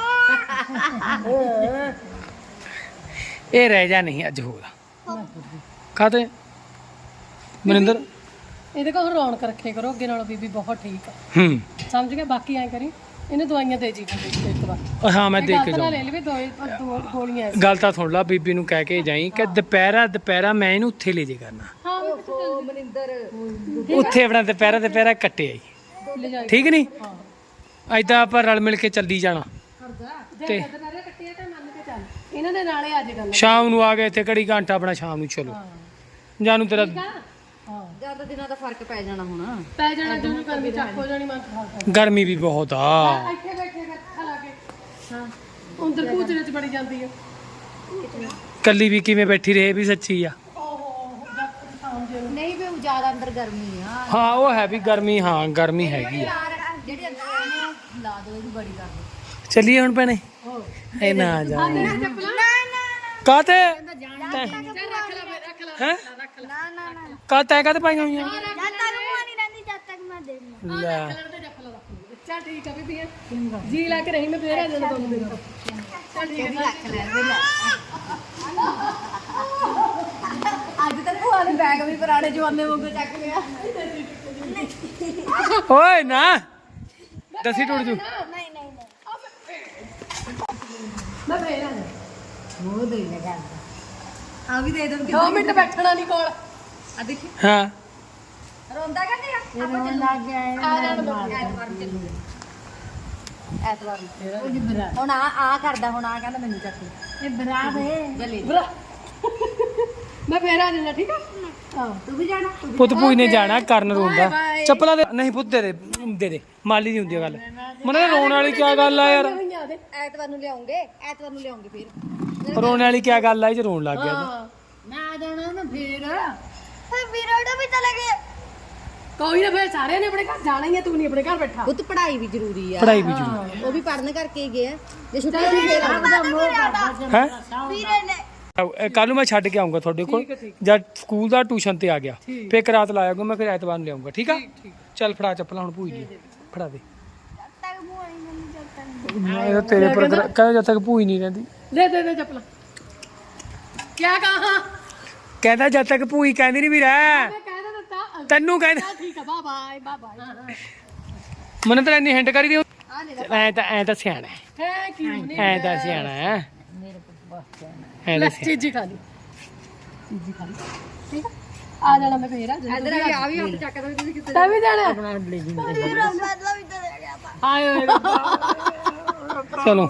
ਇਹ ਰਹਿ ਜਾ ਨਹੀਂ ਅੱਜ ਹੋਗਾ ਖਾਤੇ ਮਨਿੰਦਰ।
ਇਹਦੇ ਕੋਲ ਰੌਣਕ ਰੱਖੇ ਕਰੋ ਅੱਗੇ ਨਾਲੋਂ, ਬੀਬੀ ਬਹੁਤ ਠੀਕ ਆ,
ਹੂੰ
ਸਮਝ ਗਿਆ। ਬਾਕੀ ਐ ਕਰੀ ਇਹਨੂੰ ਦਵਾਈਆਂ ਦੇ ਜੀ ਇੱਕ ਵਾਰ,
ਉਹ ਹਾਂ ਮੈਂ ਦੇਖ ਕੇ
ਡਾਕਟਰ ਨਾਲ
ਜਾਊਂ।
ਲੈ ਲਵੇ ਦੋ ਦੋ ਗੋਲੀਆਂ ਐਸੀ।
ਗੱਲ ਤਾਂ ਸੁਣ ਲਾ, ਬੀਬੀ ਨੂੰ ਕਹਿ ਕੇ ਜਾਈ ਕਿ ਦੁਪਹਿਰਾ ਦੁਪਹਿਰਾ ਮੈਂ ਇਹਨੂੰ ਉੱਥੇ ਲੈ ਜੇ ਕਰਨਾ,
ਹਾਂ ਮੈਂ ਕਿੱਥੇ
ਉਹ ਮਨਿੰਦਰ
ਉੱਥੇ ਆਪਣਾ ਦੁਪਹਿਰਾ ਦੁਪਹਿਰਾ ਕੱਟੇ ਆਈ,
ਚੱਲ ਲੈ ਜਾਈ।
ਠੀਕ ਨਹੀਂ? ਅੱਜ ਤਾਂ ਆਪਾਂ ਰਲ ਮਿਲ ਕੇ ਚੱਲੀ ਜਾਣਾ।
ਤੇ ਨਾਲੇ ਕੱਟਿਆ ਤਾਂ ਮੰਨ ਕੇ ਚੱਲ, ਇਹਨਾਂ ਦੇ ਨਾਲੇ ਅੱਜ ਗੱਲ
ਸ਼ਾਮ ਨੂੰ ਆ ਗਏ ਇੱਥੇ ਘੜੀ ਘੰਟਾ ਆਪਣਾ ਸ਼ਾਮ ਨੂੰ ਚਲੋ ਜਾਨੂੰ ਤੇਰਾ
ਹਾਂ
ਜ਼ਿਆਦਾ ਦਿਨਾਂ ਦਾ ਫਰਕ ਪੈ ਜਾਣਾ ਹੁਣ।
ਪੈ ਜਾਣਾ ਜਦੋਂ ਗਰਮੀ ਚੱਕ ਹੋ ਜਾਣੀ ਮਨ ਖਾ
ਗਰਮੀ ਵੀ ਬਹੁਤ ਆ।
ਇੱਥੇ ਬੈਠੇ ਅੱਖਾਂ ਲਾ ਕੇ ਹਾਂ ਅੰਦਰ ਕੂਚਰੇ ਚ ਬੜੀ ਜਾਂਦੀ ਹੈ।
ਕੱਲੀ ਵੀ ਕਿਵੇਂ ਬੈਠੀ ਰਹੇ ਵੀ ਸੱਚੀ ਆ।
ਓਹੋ ਜੱਟ ਸ਼ਾਮ ਜੇ ਨੂੰ
ਨਹੀਂ ਵੀ ਜ਼ਿਆਦਾ ਅੰਦਰ ਗਰਮੀ ਆ।
ਹਾਂ ਉਹ ਹੈ ਵੀ ਗਰਮੀ, ਹਾਂ ਗਰਮੀ ਹੈਗੀ ਆ।
ਜਿਹੜੀ ਅੰਦਰ ਇਹਨੂੰ ਲਾ ਦੋ ਇਹਦੀ ਬੜੀ ਕਰ ਦੋ।
ਚੱਲੀਏ ਹੁਣ ਭੈਣੇ, ਇਹ ਨਾ ਆ ਜਾ ਕਾਤੇ ਹੈ
ਨਾ ਨਾ ਨਾ
ਕਾ ਤੈ ਕਾਤੇ ਪਾਈਆਂ ਹੋਈਆਂ
ਜਦ ਤੱਕ ਮੂੰਹ ਨਹੀਂ ਰਹਿੰਦੀ ਜਦ ਤੱਕ ਮੈਂ ਦੇ ਦੂੰਗਾ।
ਲੈ
ਚੱਲ ਠੀਕ ਆ ਬੀਬੀ ਜੀ ਲਾ ਕੇ ਰਹੀ ਮੈਂ ਫੇਰ ਆ ਜਾਣਾ ਤੁਹਾਨੂੰ ਦਿਨ
ਕਿਹਦੀ ਰੱਖ ਲੈ ਵੇ ਲੈ। ਅੱਜ ਤੱਕ ਭੂਆ ਨੇ ਬੈਗ ਵੀ ਪੁਰਾਣੇ ਜਵਾਨੇ ਵਾਂਗੂ ਚੱਕ ਲਿਆ।
ਓਏ ਨਾ ਦਸੀ ਟੁੱਟ ਜੂ।
ਨਹੀਂ ਨਹੀਂ ਨਹੀਂ
ਮੈਂ ਫੇਰ ਆ ਜਾਣਾ।
ਮੂੰਹ ਦੇ ਲੈ ਗੱਲ ਆ ਵੀ ਦੇ ਦੋ
ਦੋ ਮਿੰਟ ਬੈਠਣਾ ਨਹੀਂ ਕੋਲ
ਆ ਦੇਖੀ
ਹਾਂ
ਰੋਂਦਾ ਕਹਿੰਦੇ ਆ ਆਪਾਂ ਚੱਲੂ ਲੱਗ ਗਿਆ
ਆ ਜਾਣ ਦੋ
ਐਤਵਾਰ ਨੂੰ ਚੱਲੂਗੇ ਐਤਵਾਰ ਨੂੰ ਹੁਣ ਆ ਆ ਕਰਦਾ ਹੁਣ ਆ ਕਹਿੰਦਾ ਮੈਨੂੰ ਚੱਕ ਲੈ। ਇਹ ਬਰਾ ਦੇ ਜਲੇ
ਬਰਾ ਮੈਂ ਫੇਰ ਆ ਜਾਣਾ ਠੀਕ ਆ ਹਾਂ
ਤੂੰ ਵੀ ਜਾਣਾ
ਪੁੱਤ ਪੂਈ ਨੇ ਜਾਣਾ ਕਰਨ ਰੋਂਦਾ ਚੱਪਲਾਂ ਦੇ ਨਹੀਂ ਪੁੱਤ ਦੇ ਦੇ ਦੇ ਦੇ ਮਾਲੀ ਦੀ ਹੁੰਦੀ ਆ ਗੱਲ ਮਨੇ ਰੋਣ ਵਾਲੀ ਕੀ ਗੱਲ ਆ ਯਾਰ
ਹੋਈਆਂ ਦੇ
ਐਤਵਾਰ ਨੂੰ ਲਿਆਉਂਗੇ ਐਤਵਾਰ ਨੂੰ ਲਿਆਉਂਗੇ ਫਿਰ
ਰੋਣ ਵਾਲੀ ਕੀ ਗੱਲ ਆ ਇਹ ਚ ਰੋਣ ਲੱਗ ਗਿਆ ਤੂੰ।
ਹਾਂ
ਮੈਂ ਆ ਜਾਣਾ ਨਾ ਫਿਰ
ਫਿਰ ਵੀਰੋੜਾ ਵੀ ਚਲੇ ਗਏ।
ਕੋਈ ਨਾ ਫੇਰ ਸਾਰਿਆਂ ਨੇ ਆਪਣੇ ਘਰ ਜਾਣਾ ਹੀ ਆ, ਤੂੰ ਨਹੀਂ ਆਪਣੇ ਘਰ ਬੈਠਾ।
ਪੁੱਤ ਪੜ੍ਹਾਈ ਵੀ ਜ਼ਰੂਰੀ ਆ।
ਪੜਾਈ ਵੀ ਜ਼ਰੂਰੀ
ਉਹ ਵੀ ਪੜ੍ਹਨ ਕਰਕੇ ਗਏ ਆ ਜੇ ਛੁੱਟੀ ਹੋਈ ਫੇਰ
ਹੈ
ਵੀਰੇ ਨੇ
ਕੱਲ ਨੂੰ ਮੈਂ ਛੱਡ ਕੇ ਆਉਂਗਾ ਤੁਹਾਡੇ ਕੋਲ ਜਦ ਸਕੂਲ ਦਾ ਟਿਊਸ਼ਨ ਤੇ ਆ ਗਿਆ ਫੇਰ ਇੱਕ ਰਾਤ ਲਾਇਆਗਾ ਮੈਂ ਫਿਰ ਐਤਵਾਰ ਨੂੰ ਲਿਆਉਂਗਾ ਠੀਕ ਆ। ਚੱਲ ਫੜਾ ਚੱਪਲਾਂ ਹੁਣ ਭੂਈ ਦੀ ਫੜਾ ਦੇ।
ਜਦ ਤੱਕ ਮੂੰਹ ਨਹੀਂ ਰਹਿੰਦੀ ਜਦ ਤੱਕ
ਇਹ ਤਾਂ ਤੇਰੇ ਪਰ ਕਹਿੰਦਾ ਜਦ ਤੱਕ ਭੂਈ ਨਹੀਂ ਰਹਿੰਦੀ।
ਲੈ ਦੇ ਦੇ ਚੱਪਲਾਂ ਕਿਆ ਕਹਾ
ਕਹਿੰਦਾ ਜਦ ਤੱਕ ਭੂਈ ਕਹਿੰਦੀ ਨਹੀਂ ਵੀ ਰਹਿ
ਮੈਂ ਕਹਿ ਤਾਂ ਦਿੱਤਾ
ਤੈਨੂੰ ਕਹਿੰਦਾ
ਚੱਲ ਠੀਕ ਆ ਬਾਏ ਬਾਏ ਬਾਏ ਬਾਏ
ਮੈਨੂੰ ਤਾਂ ਇੰਨੀ ਹਿੰਟ ਕਰੀ ਦੀ ਐ ਤਾਂ ਐ ਤਾਂ ਸਿਆਣਾ ਹੈ
ਥੈਂਕ ਯੂ ਨਹੀਂ
ਐ ਤਾਂ ਸਿਆਣਾ ਹੈ ਐ
ਲੈ
ਤਾਂ ਸਿਆਣਾ।
ਚੀਜ਼ੀ ਖਾ ਲਈ ਚੀਜ਼ੀ ਖਾ ਲਈ ਠੀਕ ਆ ਆ ਜਾਣਾ ਮੈਂ ਫੇਰ ਆ ਜਾਣਾ
ਇਧਰ ਆ ਆ ਵੀ ਹੱਥ ਚੱਕਦਾ ਵੀ ਤੁਸੀਂ ਕਿੱਥੇ
ਤੈਂ ਵੀ ਜਾਣਾ
ਵੀਰੋ ਬਦਲਾ ਵੀ ਤੇ ਗਿਆ ਪਾ
ਹਾਏ ਓਏ
ਚਲੋ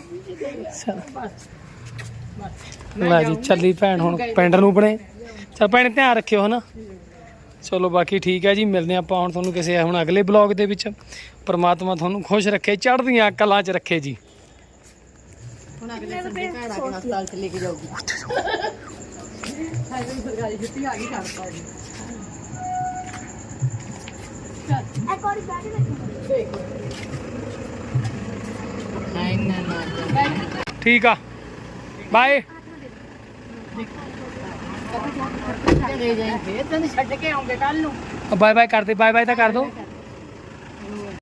ਲੈ ਜੀ ਚੱਲੀ ਭੈਣ ਹੁਣ ਪਿੰਡ ਨੂੰ ਬਣੇ। ਚੱਲ ਭੈਣ ਧਿਆਨ ਰੱਖਿਓ ਹਨਾ। ਚਲੋ ਬਾਕੀ ਠੀਕ ਹੈ ਜੀ, ਮਿਲਦੇ ਆਪਾਂ ਹੁਣ ਤੁਹਾਨੂੰ ਕਿਸੇ ਹੁਣ ਅਗਲੇ ਬਲੌਗ ਦੇ ਵਿੱਚ। ਪ੍ਰਮਾਤਮਾ ਤੁਹਾਨੂੰ ਖੁਸ਼ ਰੱਖੇ, ਚੜ੍ਹਦੀਆਂ ਕਲਾਂ 'ਚ ਰੱਖੇ ਜੀ।
ਹੁਣ ਅਗਲੇ ਸੰਡੇ ਭੈਣ ਆ ਕੇ ਹਸਪਤਾਲ ਚ ਲੈ ਕੇ ਜਾਊਗੀ ਹਾਏ ਸਰਕਾਰੀ ਛੁੱਟੀ ਆ ਗਈ ਕਰਤਾ ਜੀ
ਇੱਕ ਵਾਰੀ ਬੈਠ ਕੇ
ਨਹੀਂ ਨਾ ਨਾ
ਠੀਕ ਆ ਬਾਏ
ਚਲੇ ਜਾਈਂ ਫੇਰ ਤੈਨੂੰ ਛੱਡ ਕੇ ਆਉਂਗੇ ਕੱਲ ਨੂੰ
ਬਾਏ ਬਾਏ ਕਰਦੇ ਬਾਏ ਬਾਏ ਤਾਂ ਕਰ ਦੋ